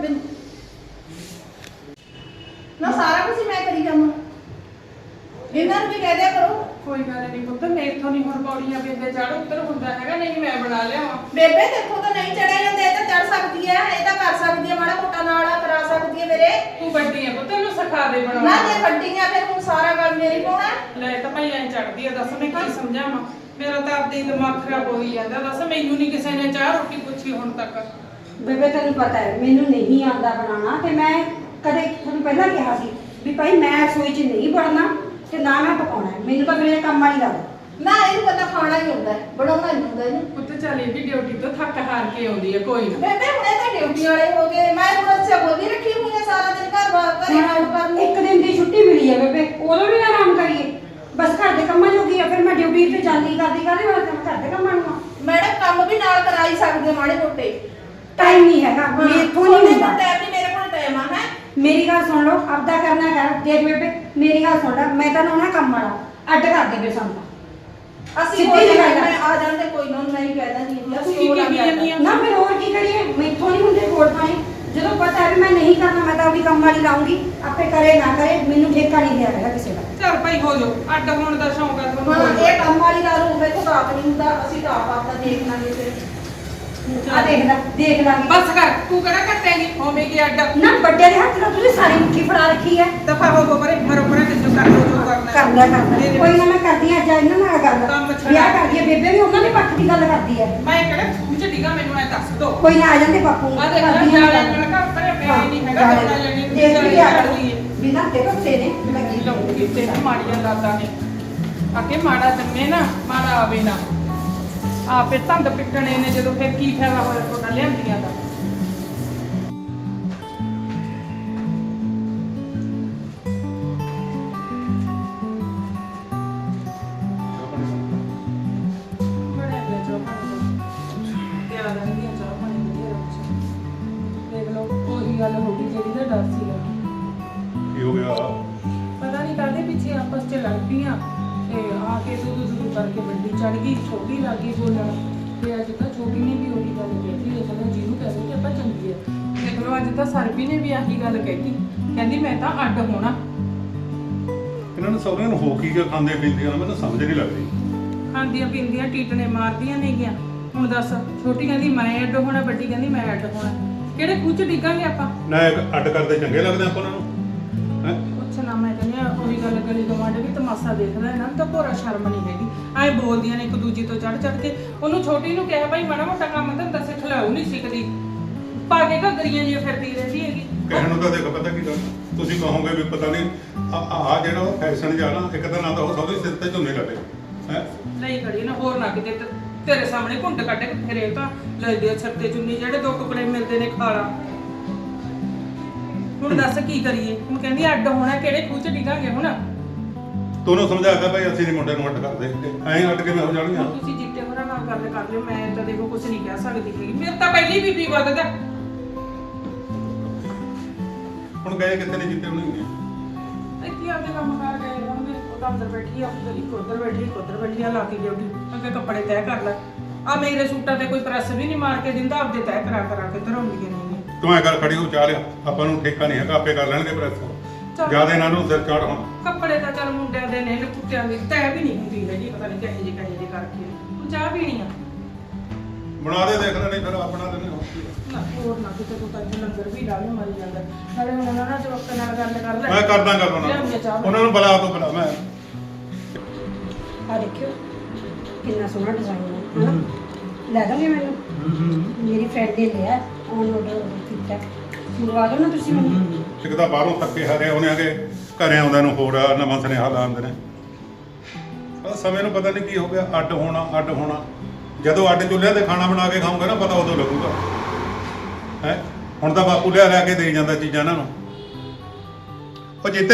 S1: ਨਾ, ਸਾਰਾ ਕੁਝ ਮੈਂ ਕਰੀ ਜਾਵਾਂ। ਇਹਨਾਂ ਨੂੰ ਵੀ ਕਹਿ ਦਿਆ ਕਰੋ।
S2: ਕੋਈ ਗੱਲ ਨਹੀਂ ਪੁੱਤ, ਮੇਥੋਂ ਨਹੀਂ ਹੁਣ ਪੌੜੀਆਂ ਬੇਬੇ ਚੜ ਉੱਤਰ ਹੁੰਦਾ ਹੈਗਾ, ਨਹੀਂ ਮੈਂ ਬਣਾ ਲਿਆਵਾਂ।
S1: ਬੇਬੇ ਦੇਖੋ ਤਾਂ ਨਹੀਂ ਚੜਿਆ ਜਾਂਦੇ, ਇਹ ਤਾਂ ਚੜ ਸਕਦੀ ਹੈ, ਇਹ ਤਾਂ ਕਰ ਸਕਦੀ ਹੈ, ਮਾੜਾ ਮੋਟਾ ਨਾਲਾ ਕਰਾ ਸਕਦੀ ਹੈ ਮੇਰੇ।
S2: ਤੂੰ ਵੱਡੀ ਆ ਪੁੱਤ, ਇਹਨੂੰ ਸਿਖਾ ਦੇ
S1: ਨਾ
S2: ਬਣਾਉਣਾ।
S1: ਜੇ ਵੱਡੀਆਂ ਫਿਰ ਹੁਣ ਸਾਰਾ ਗੱਲ ਮੇਰੀ ਪਾਉਣਾ।
S2: ਲੈ ਤਾਂ ਭਾਈ ਐਂ ਚੜਦੀ ਆ, ਦੱਸ ਮੈਂ ਕੀ ਸਮਝਾਵਾਂ? ਮੇਰਾ ਤਾਂ ਆਪਦੇ ਦਿਮਾਗ ਖਰਾਬ ਹੋਈ ਜਾਂਦਾ। ਦੱਸ ਮੈਨੂੰ ਨਹੀਂ ਕਿਸੇ ਨੇ ਚਾਹ ਰੋਟੀ ਪੁੱਛੀ ਹੁਣ ਤੱਕ।
S6: ਬੇਬੇ ਤੈਨੂੰ ਪਤਾ ਹੈ ਮੈਨੂੰ ਨਹੀਂ ਆਉਂਦਾ ਬਣਾਉਣਾ, ਤੇ ਮੈਂ ਕਦੇ ਤੁਹਾਨੂੰ ਪਹਿਲਾਂ ਕਿਹਾ ਸੀ ਵੀ ਭਾਈ ਮੈਂ ਰਸੋਈ 'ਚ ਨਹੀਂ ਵੜਨਾ ਤੇ ਨਾ ਮੈਂ ਪਕਾਉਣਾ। ਮੈਨੂੰ ਤਾਂ ਮੇਰੇ ਕੰਮ ਵਾਲੀ ਲੱਗਦਾ।
S1: ਨਾ ਇਹਨੂੰ ਪਤਾ ਖਾਣਾ ਹੀ ਹੁੰਦਾ ਹੈ, ਬਣਾਉਣਾ ਨਹੀਂ ਹੁੰਦਾ ਇਹਨੂੰ।
S2: ਪੁੱਤ ਚੱਲ ਇਹ ਵੀ ਡਿਊਟੀ ਤੋਂ ਥੱਕ ਹਾਰ ਕੇ ਆਉਂਦੀ ਹੈ, ਕੋਈ ਨਾ।
S1: ਬੇਬੇ ਹੁਣੇ ਤਾਂ ਡਿਊਟੀ ਵਾਲੇ ਹੋ ਗਏ, ਮੈਂ ਹੁਣ ਅੱਛਾ ਬੋਲੀ ਰੱਖੀ ਹੋਈ ਹੈ ਸਾਰਾ ਦਿਨ ਘਰ ਬਾਹਰ ਘਰੇ ਕੰਮ ਕਰਨੀ।
S6: ਇੱਕ ਦਿਨ ਦੀ ਛੁੱਟੀ ਮਿਲੀ ਹੈ ਬੇਬੇ, ਉਦੋਂ ਵੀ ਆਰਾਮ ਕਰੀਏ। ਬਸ ਘਰ ਦੇ ਕੰਮਾਂ ਜੋਗੀ ਆ, ਫਿਰ ਮੈਂ ਡਿਊਟੀ ਤੇ ਜਾਂਦੀ ਕਰਦੀ ਕਰਦੀ ਮੈਂ ਘਰ ਦੇ ਕੰਮਾਂ ਨੂੰ।
S1: ਮੈਡਮ ਕੰਮ ਵੀ ਨਾਲ ਕਰਾਈ ਸਕਦੇ ਮਾੜੇ ਮੋਟੇ।
S6: ਟਾਈਮ ਨਹੀਂ ਹੈਗਾ, ਮੇਥੋਂ ਨਹੀਂ ਹੁੰਦਾ।
S1: ਟਾਈਮ ਨਹੀਂ, ਮੇਰੇ ਕੋਲ ਟਾਈਮ ਆ। ਹੈ
S6: ਮੇਰੀ ਗੱਲ ਸੁਣ ਲਓ, ਆਪਦਾ ਕਰਨਾ ਕਰ। ਦੇਖ ਬੇਬੇ ਮੇਰੀ ਗੱਲ ਸੁਣ ਲੈ, ਮੈਂ ਤਾਂ ਨਾ ਕੰਮ ਵਾਲਾ ਅੱਡ ਕਰ ਦੇ ਬੇ ਸਾਨੂੰ।
S1: ਅਸੀਂ
S6: ਸਿੱਧੀ
S1: ਕੋਈ
S6: ਜਿਹੀ ਗੱਲ
S1: ਗੱਲ
S6: ਆ।
S1: ਮੈਂ ਆ ਜਾਂਦੇ, ਕੋਈ ਨਾ ਮੈਂ ਹੀ ਕਹਿ ਦਾਂਗੀ
S2: ਤੂੰ
S1: ਅਸੀਂ
S2: ਕੀ
S1: ਉਹ
S2: ਕਹੀ
S1: ਲੱਗ
S2: ਜਾਂਦੀ ਆ?
S6: ਨਾ ਫਿਰ ਹੋਰ ਕੀ ਕਰੀਏ, ਮੈਥੋਂ ਨਹੀਂ ਹੁੰਦੇ ਕੋਲ ਪਾਣੀ। ਜਦੋਂ ਪਤਾ ਹੈ ਵੀ ਮੈਂ ਨਹੀਂ ਕਰਨਾ, ਮੈਂ ਤਾਂ ਆਪਣੀ ਕੰਮ ਵਾਲੀ ਲਾਉਂਗੀ, ਆਪੇ ਕਰੇ ਨਾ ਕਰੇ, ਮੈਨੂੰ ਠੇਕਾ ਨਹੀਂ ਦਿਆ ਹੈਗਾ ਕਿਸੇ ਦਾ।
S2: ਚੱਲ ਭਾਈ ਹੋ ਜਾਓ, ਅੱਡ ਹੋਣ ਦਾ ਸ਼ੌਂਕ ਹੈ ਤੁਹਾਨੂੰ?
S1: ਹਾਂ ਇਹ ਕੰਮ ਵਾਲੀ ਲਾ ਲਓ, ਮੇਰੇ ਕੋਲ ਤਾਂ ਆਪ ਨਹੀਂ ਹੁੰਦਾ, ਅਸੀਂ ਤਾਂ ਆਪ ਆਪਦਾ ਦੇਖ ਲਾਂਗੇ ਫਿਰ।
S6: ਆ ਦੇਖ ਲੈ, ਦੇਖ ਲਾਂਗੇ।
S2: ਬਸ ਕਰ, ਤੂੰ ਕਿਹੜਾ ਕੱਟੇਂਗੀ ਹੋਵੇਗੀ ਅੱਡ?
S6: ਨਾ ਵੱਡੇ ਦੇ ਹੱਥ ਨਾਲ ਤੁਸੀਂ ਸਾਰੀ ਮੁੱਠੀ ਫੜਾ ਰੱਖੀ ਹੈ।
S2: ਦਫਾ ਹੋ ਗੋ ਪਰੇ, ਮਰੋ ਪਰੇ ਤੇ ਜੋ ਕਰ ਲੋ ਜੋ ਕਰਨਾ।
S6: ਕਰ ਲਿਆ ਕਰ ਲਿਆ। ਕੋਈ ਨਾ ਮੈਂ ਕਰਦੀ ਹਾਂ, ਅੱਜ ਇਹਨਾਂ ਨਾਲ
S2: ਕੰਮ
S6: ਗੱਲ
S2: ਛੱਡ।
S6: ਵਿਆਹ ਕਰਦੀ ਹੈ ਬੇਬੇ ਵੀ, ਉਹਨਾਂ ਦੇ ਪੱਖ ਦੀ ਗੱਲ ਕਰਦੀ ਹੈ।
S2: ਮੈਂ ਕਿਹੜਾ ਖੂਹ ਚ ਡਿੱਗਾ, ਮੈਨੂੰ ਐ ਦੱਸ ਦੋ।
S6: ਕੋਈ ਨਾ ਆ ਜਾਂਦੇ ਬਾਪੂ
S2: ਆ ਦੇਖ ਲੈ,
S6: ਕਰਦੀ ਹਾਂ
S2: ਜਾਲੇ
S6: ਗੱਲ।
S2: ਨਾਲ ਘਰ ਪਰੇ ਪਿਆ ਹੀ ਨਹੀਂ ਹੈਗਾ,
S6: ਹਾਂ,
S2: ਬੰਦਾ ਲੈਣੀ
S6: ਦੇਖ ਵੀ ਆ
S2: ਲਈਏ।
S6: ਬਿਨਾਂ ਤੇ ਕੱਤੇ ਨੇ ਮੈਂ ਕੀ
S2: ਲਊਂਗੀ ਤੇ ਮਾੜੀਆਂ ਦਾਤਾਂ ਨੇ ਆਕੇ ਮਾੜਾ ਜੰਮੇ ਨਾ ਮਾੜਾ ਆਵੇ ਨਾ। ਆਪੇ ਧੰਦ ਪਿੱਟਣੇ ਨੇ ਜਦੋਂ, ਫਿਰ ਕੀ ਫਾਇਦਾ ਹੋਇਆ ਤੁਹਾਡਾ ਲਿਆਂਦੀਆਂ ਦਾ। ਬਣਿਆ ਗਿਆ ਜੋ ਬਣਿਆ। ਗੱਲ ਹੋ ਗਈ ਜਿਹੜੀ ਦਾ ਡਰ ਸੀਗਾ।
S3: ਕੀ ਹੋ ਗਿਆ?
S2: ਪਤਾ ਨਹੀਂ ਕਾਹਦੇ ਪਿੱਛੇ ਆਪਸ 'ਚ ਲੜ ਪਈਆਂ ਤੇ ਆ ਕੇ ਦੁੱਧ ਦੁੱਧ ਕਰਕੇ ਵੱਡੀ ਚੜ ਗਈ, ਛੋਟੀ ਲੱਗ ਗਈ ਬੋਲਣ ਤੇ ਅੱਜ ਤਾਂ ਛੋਟੀ ਨੇ ਵੀ ਉਹੀ ਗੱਲ ਕਹਿਤੀ ਹੈ ਚਲੋ ਜਿਹਨੂੰ ਕਹਿੰਦੇ ਕਿ ਆਪਾਂ ਚੰਗੀ ਹੈ। ਦੇਖ ਲਓ ਅੱਜ ਤਾਂ ਸਰਬੀ ਨੇ ਵੀ ਆਹੀ ਗੱਲ ਕਹਿਤੀ, ਕਹਿੰਦੀ ਮੈਂ ਤਾਂ ਅੱਡ ਹੋਣਾ।
S3: ਇਹਨਾਂ ਨੂੰ ਸਹੁਰਿਆਂ ਨੂੰ ਹੋ ਕੀ ਕੇ ਖਾਂਦੇ ਪੀਂਦੀਆਂ ਮੈਨੂੰ ਸਮਝ ਨਹੀਂ ਲੱਗਦੀ।
S2: ਖਾਂਦੀਆਂ ਪੀਂਦੀਆਂ ਟੀਟਣੇ ਮਾਰਦੀਆਂ ਨੇਗੀਆਂ। ਹੁਣ ਦੱਸ, ਛੋਟੀ ਕਹਿੰਦੀ ਮੈਂ ਅੱਡ ਹੋਣਾ, ਵੱਡੀ ਕਹਿੰਦੀ ਮੈਂ ਅੱਡ ਹੋਣਾ। ਕਿਹੜੇ ਖੂਹ 'ਚ ਡਿੱਗਾਂਗੇ ਆਪਾਂ?
S3: ਨਾ ਇੱਕ ਅੱਡ ਕਰਦੇ ਚੰਗੇ ਲੱਗਦੇ ਆਪਾਂ ਉਹਨਾਂ ਨੂੰ ਹੈ।
S2: ਕੁਛ ਨਾ, ਮੈਂ ਕਹਿੰਦੀ ਹਾਂ ਉਹੀ ਗੱਲ, ਗਲੀ ਗਵਾਂਢ ਵੀ ਤਮਾਸ਼ਾ ਦੇਖਦਾ, ਇਹਨਾਂ ਨੂੰ ਤਾਂ ਭੋਰਾ ਸ਼ਰਮ ਨਹੀਂ ਹੈਗੀ। ਐਂ ਬੋਲਦੀਆਂ ਨੇ ਇੱਕ ਦੂਜੀ ਤੋਂ ਚੜ ਚੜ ਕੇ। ਉਹਨੂੰ ਛੋਟੀ ਨੂੰ ਕਿਹਾ ਭਾਈ ਮਾੜਾ ਮੋਟਾ ਕੰਮ ਧੰਦਾ ਸਿੱਖ ਲੈ, ਉਹ ਨਹੀਂ ਸਿੱਖਦੀ, ਪਾ ਕੇ ਘੱਗਰੀਆਂ ਜਿਹੀਆਂ ਫਿਰਦੀ ਰਹਿੰਦੀ ਹੈਗੀ।
S3: ਕਹਿਣ ਨੂੰ ਤਾਂ ਦੇਖ ਪਤਾ ਕੀ ਗੱਲ, ਤੁਸੀਂ ਕਹੋਗੇ ਵੀ ਪਤਾ ਨਹੀਂ ਆ ਜਿਹੜਾ ਉਹ ਫੈਸ਼ਨ ਜਿਹਾ ਨਾ, ਇੱਕ ਤਾਂ ਨਾ ਤਾਂ ਉਹ ਸਹੁਰੇ ਸਿਰ ਤੇ ਝੁੰਨੇ ਲੱਗੇ ਹੈ।
S2: ਨਹੀਂ ਖੜੀ ਨਾ, ਹੋਰ ਨਾ ਕਿਤੇ ਤੇ- ਤੇਰੇ ਸਾਹਮਣੇ ਘੁੰਡ ਕੱਢ ਕੇ ਫਿਰੇ ਤਾਂ ਲੈਦੇ ਸਿਰ ਤੇ ਚੁੰਨੀ, ਜਿਹੜੇ ਦੋ ਟੁਕੜੇ ਮਿਲਦੇ ਨੇ ਖਾਲਾ। ਹੁਣ ਦੱਸ ਕੀ ਕਰੀਏ? ਹੁਣ ਕਹਿੰਦੀ ਅੱਡ ਹੋਣਾ, ਕਿਹੜੇ ਖੂਹ 'ਚ ਡਿੱਗਾਂਗੇ ਹੁਣ?
S3: ਤੂੰ ਉਹਨੂੰ ਸਮਝਾ ਕੇ ਭਾਈ ਅਸੀਂ ਨਹੀਂ ਮੁੰਡੇ ਨੂੰ ਅੱਡ ਕਰਦੇ, ਐਂ ਅੱਡ ਕਿਵੇਂ ਹੋ ਜਾਣਗੀਆਂ?
S2: ਹੁਣ ਤੁਸੀਂ ਜਿੱਤੇ ਹੋਰਾਂ ਨਾਲ ਗੱਲ ਕਰ ਲਿਓ, ਮੈਂ ਤਾਂ ਦੇਖੋ ਕੁਝ ਨਹੀਂ ਕਹਿ ਸਕਦੀ ਹੈਗੀ। ਮੇਰੇ ਤਾਂ ਪਹਿਲੀ ਬੀਬੀ ਵੱਧਦਾ।
S3: ਹੁਣ ਗਏ ਕਿੱਥੇ ਨੇ ਜਿੱਤੇ ਹੋਣਗੇ?
S2: ਇੱਥੇ ਆਪਦੇ ਕੰਮ ਕਰ ਗਏ ਹੋਣਗੇ। ਉਹ ਤਾਂ ਅੰਦਰ ਬੈਠੀ ਆ, ਉੱਧਰ ਇੱਕ ਉੱਧਰ ਬੈਠੀ, ਇੱਕ ਉੱਧਰ ਬੈਠੀ ਆ, ਲਾ ਕੇ ਡਿਊਟੀ। ਅੱਗੇ ਕੱਪੜੇ ਤੈਅ ਕਰ ਲੈ। ਆ ਮੇਰੇ ਸੂਟਾਂ ਤੇ ਕੋਈ ਪ੍ਰੈਸ ਵੀ ਨਹੀਂ ਮਾਰ ਕੇ ਦਿੰਦਾ, ਆਪਦੇ ਤੈਅ ਕਰਾ ਕਰਾ ਕੇ ਧਰਾਉਂਦੀਆਂ ਨੇ।
S3: ਤੂੰ ਐ ਕਰ ਖੜੀ ਹੋ ਚਾਹ ਲਿਆ, ਆਪਾਂ ਨੂੰ ਠੇਕਾ ਨਹੀਂ ਹੈਗਾ, ਆਪੇ ਕਰ ਲੈਣਗੇ ਪ੍ਰੈਸ। ਜਿਆਦਾ ਇਹਨਾਂ ਨੂੰ ਸਿਰ ਚਾੜ ਹੁਣ।
S2: ਕੱਪੜੇ ਤਾਂ ਚੱਲ ਮੁੰਡਿਆਂ ਦੇ ਨੇ, ਕੁੱਤਿਆਂ ਦੀ ਤੈਅ ਵੀ ਨਹੀਂ ਹੁੰਦੀ ਹੈਗੀ, ਪਤਾ ਨਹੀਂ ਕਿਹੋ ਜਿਹੇ ਕਿਹੋ ਜਿਹੇ ਕਰਕੇ। ਤੂੰ ਚਾਹ ਪੀਣੀ ਆ?
S3: ਬਣਾ ਦੇ, ਦੇਖ ਲੈ, ਨਹੀਂ ਫਿਰ ਆਪਣਾ ਦਿਨ ਹੋ
S2: ਨਾ ਹੋਰ ਨਾ ਕਿਤੇ ਤੂੰ ਤਾਂ ਇੱਥੇ ਲੰਗਰ ਵੀ ਡਾਲੇ ਮਾਰੀ ਜਾਂਦਾ। ਨਾਲੇ ਹੁਣ ਉਹਨਾਂ ਨਾਲ ਜਵਾਕਾਂ ਨਾਲ ਗੱਲ ਕਰ ਲੈ।
S3: ਮੈਂ ਕਰਦਾ ਗੱਲ ਉਹਨਾਂ
S2: ਲਿਆਉਂਦੀ ਆ ਚਾਹ
S3: ਨੂੰ,
S2: ਮੈਂ।
S3: ਉਹਨਾਂ ਨੂੰ ਬੁਲਾ ਤੋਂ ਬੁਲਾ ਮੈਂ।
S6: ਆ ਦੇਖਿਓ ਕਿੰਨਾ ਸੋਹਣਾ ਡਿਜ਼ਾਈਨ ਹੈ ਹਨਾ। ਲੈ ਦੋਗੇ ਮੈਨੂੰ? ਮੇਰੀ ਫਰੈਂਡ ਨੇ ਲਿਆ, ਔਨ ਆਰਡਰ ਕੀਤਾ, ਮੰਗਵਾ ਦਿਓ ਨਾ ਤੁਸੀਂ ਮੈਨੂੰ।
S3: ਇੱਕ ਤਾਂ ਬਾਹਰੋਂ ਥੱਕੇ ਹਾਰੇ ਉਹਨੇ ਆ ਕੇ ਘਰੇ ਆਉਂਦਾ ਨੂੰ ਹੋਰ ਨਵਾਂ ਸੁਨੇਹਾ ਲਾਉਂਦੇ ਨੇ। ਪਰ ਸਮੇਂ ਨੂੰ ਪਤਾ ਨਹੀਂ ਕੀ ਹੋ ਗਿਆ, ਅੱਡ ਹੋਣਾ ਅੱਡ ਹੋਣਾ। ਜਦੋਂ ਅੱਡ ਚੁੱਲ੍ਹਿਆਂ ਤੇ ਖਾਣਾ ਬਣਾ ਕੇ ਖਾਊਂਗਾ ਨਾ, ਪਤਾ ਉਦੋਂ ਲੱਗੂਗਾ ਹੈ। ਹੁਣ ਤਾਂ ਬਾਪੂ ਲਿਆ ਲਿਆ ਕੇ ਦੇਈ ਜਾਂਦਾ ਚੀਜ਼ਾਂ ਇਹਨਾਂ ਨੂੰ। ਉਹ ਜਿੱਤੇ,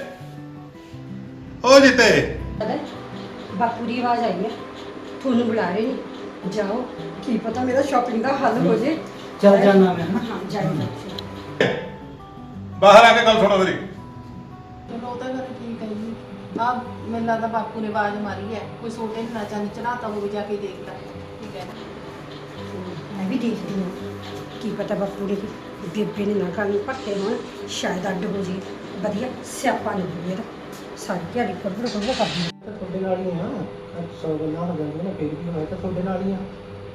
S3: ਉਹ ਜਿੱਤੇ,
S6: ਪਤਾ ਬਾਪੂ ਦੀ ਆਵਾਜ਼ ਆਈ ਹੈ, ਤੁਹਾਨੂੰ ਬੁਲਾ ਰਹੇ ਨੇ। ਜਾਓ, ਕੀ ਪਤਾ ਮੇਰਾ ਸ਼ਾਪਿੰਗ ਦਾ ਹੱਲ ਹੋ ਜੇ।
S5: ਚੱਲ ਜਾਣਾ ਮੈਂ ਹਨਾ।
S6: ਹਾਂ ਜਾਓ।
S3: ਬਾਹਰ ਆ ਕੇ ਗੱਲ ਸੁਣੋ ਮੇਰੀ।
S1: ਚਲੋ ਉਹ ਤਾਂ ਗੱਲ ਠੀਕ ਹੈ ਜੀ। ਆ ਮੈਨੂੰ ਲੱਗਦਾ ਬਾਪੂ ਨੇ ਆਵਾਜ਼ ਮਾਰੀ ਹੈ, ਕੋਈ ਸੋਟੇ ਨੂੰ ਨਾ ਚਾਂਦੀ ਚੜਾਤਾ ਹੋਵੇ, ਜਾ ਕੇ ਦੇਖਦਾ। ਠੀਕ ਹੈ,
S6: ਮੈਂ ਵੀ ਦੇਖਦੀ ਹਾਂ, ਕੀ ਪਤਾ ਬਾਪੂ ਦੇ ਬੇਬੇ ਨੇ ਨਾ ਕਰਨ ਪੱਕੇ ਹੋਣ, ਸ਼ਾਇਦ ਅੱਡ ਹੋ ਜੇ। ਵਧੀਆ ਸਿਆਪਾ ਨਹੀਂ ਹੋਵੇ ਇਹਦਾ, ਸਾਰੀ ਦਿਹਾੜੀ ਕੁਰਬੜ ਕੁਰਬੜ ਕਰਦੀ।
S4: ਤੁਹਾਡੇ ਨਾਲ ਹੀ ਆ, ਸੌ ਗੱਲਾਂ ਹੋ ਜਾਂਦੀਆਂ ਨੇ, ਫਿਰ ਵੀ ਮੈਂ ਤਾਂ ਤੁਹਾਡੇ ਨਾਲ ਹੀ ਆ।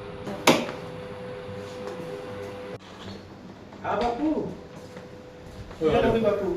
S4: ਆ ਬਾਪੂ, ਕੀ ਗੱਲ ਹੋ ਗਈ ਬਾਪੂ?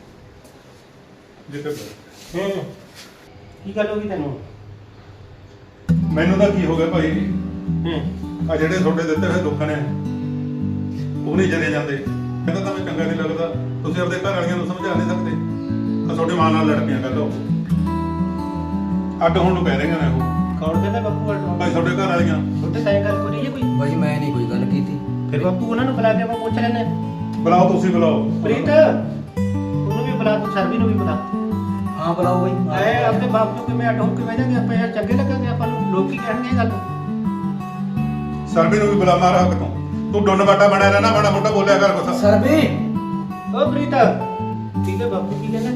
S3: ਜਿੱਤੇ
S4: ਹੂੰ, ਕੀ ਗੱਲ ਹੋ ਗਈ ਤੈਨੂੰ?
S3: ਮੈਨੂੰ ਤਾਂ ਕੀ ਹੋ ਗਿਆ ਭਾਈ,
S4: ਹੂੰ,
S3: ਆ ਜਿਹੜੇ ਤੁਹਾਡੇ ਦਿੱਤੇ ਹੋਏ ਦੁੱਖ ਨੇ ਉਹ ਨਹੀਂ ਜਰੇ ਜਾਂਦੇ। ਕਹਿੰਦਾ ਤਾਂ ਮੈਂ ਚੰਗਾ ਨਹੀਂ ਲੱਗਦਾ, ਤੁਸੀਂ ਆਪਣੇ ਘਰ ਵਾਲੀਆਂ ਨੂੰ ਸਮਝਾ ਨਹੀਂ ਸਕਦੇ। ਆ ਤੁਹਾਡੇ ਮਾਂ ਨਾਲ ਲੜ ਪਈਆਂ ਗੱਲ ਉਹ ਅੱਡ ਹੋਣ ਨੂੰ ਕਹਿ ਰਹੀਆਂ ਨੇ ਉਹ।
S4: ਕੌਣ ਕਹਿੰਦਾ ਬਾਪੂ ਅੱਡ?
S3: ਭਾਈ ਤੁਹਾਡੇ ਘਰ ਵਾਲੀਆਂ।
S4: ਤੁਹਾਡੇ ਸਾਈਂ ਗੱਲ ਕਰੀ ਹੈ ਕੋਈ?
S5: ਬਾਈ ਮੈਂ ਨਹੀਂ ਕੋਈ ਗੱਲ ਕੀਤੀ।
S4: ਫਿਰ ਬਾਪੂ ਉਹਨਾਂ ਨੂੰ ਬੁਲਾ ਕੇ ਆਪਾਂ ਪੁੱਛ ਲੈਂਦੇ।
S3: ਬੁਲਾਓ, ਤੁਸੀਂ ਬੁਲਾਓ।
S4: ਪ੍ਰੀਤ, ਉਹਨੂੰ ਵੀ ਬੁਲਾ, ਤੂੰ ਸਰਬੀ ਨੂੰ ਵੀ ਬੁਲਾ।
S5: ਹਾਂ ਬੁਲਾਓ ਬਾਈ।
S4: ਐ ਆਪਣੇ ਬਾਪ ਤੋਂ ਕਿਵੇਂ ਅੱਡ ਹੋ ਕੇ ਬਹਿ ਜਾਂਗੇ ਆਪਾਂ? ਯਾਰ ਚੰਗੇ ਲੱਗਾਂਗੇ ਆਪਾਂ ਨੂੰ? ਲੋਕ ਕੀ ਕਹਿਣਗੇ ਇਹ ਗੱਲ?
S3: ਸਰਬੀ ਨੂੰ ਵੀ ਬੁਲਾ, ਮਾਰਾ ਹੱਕ ਤੋਂ। ਤੂੰ ਡੁੰਨ ਬਾਟਾ ਬਣਿਆ ਰਹਿਣਾ, ਮਾੜਾ ਮੋਟਾ ਬੋਲਿਆ ਕਰ ਕੁਛ।
S5: ਸਰਬੀ,
S4: ਓ ਪ੍ਰੀਤ, ਠੀਕ ਹੈ ਬਾਪੂ ਕੀ ਕਹਿੰਦਾ?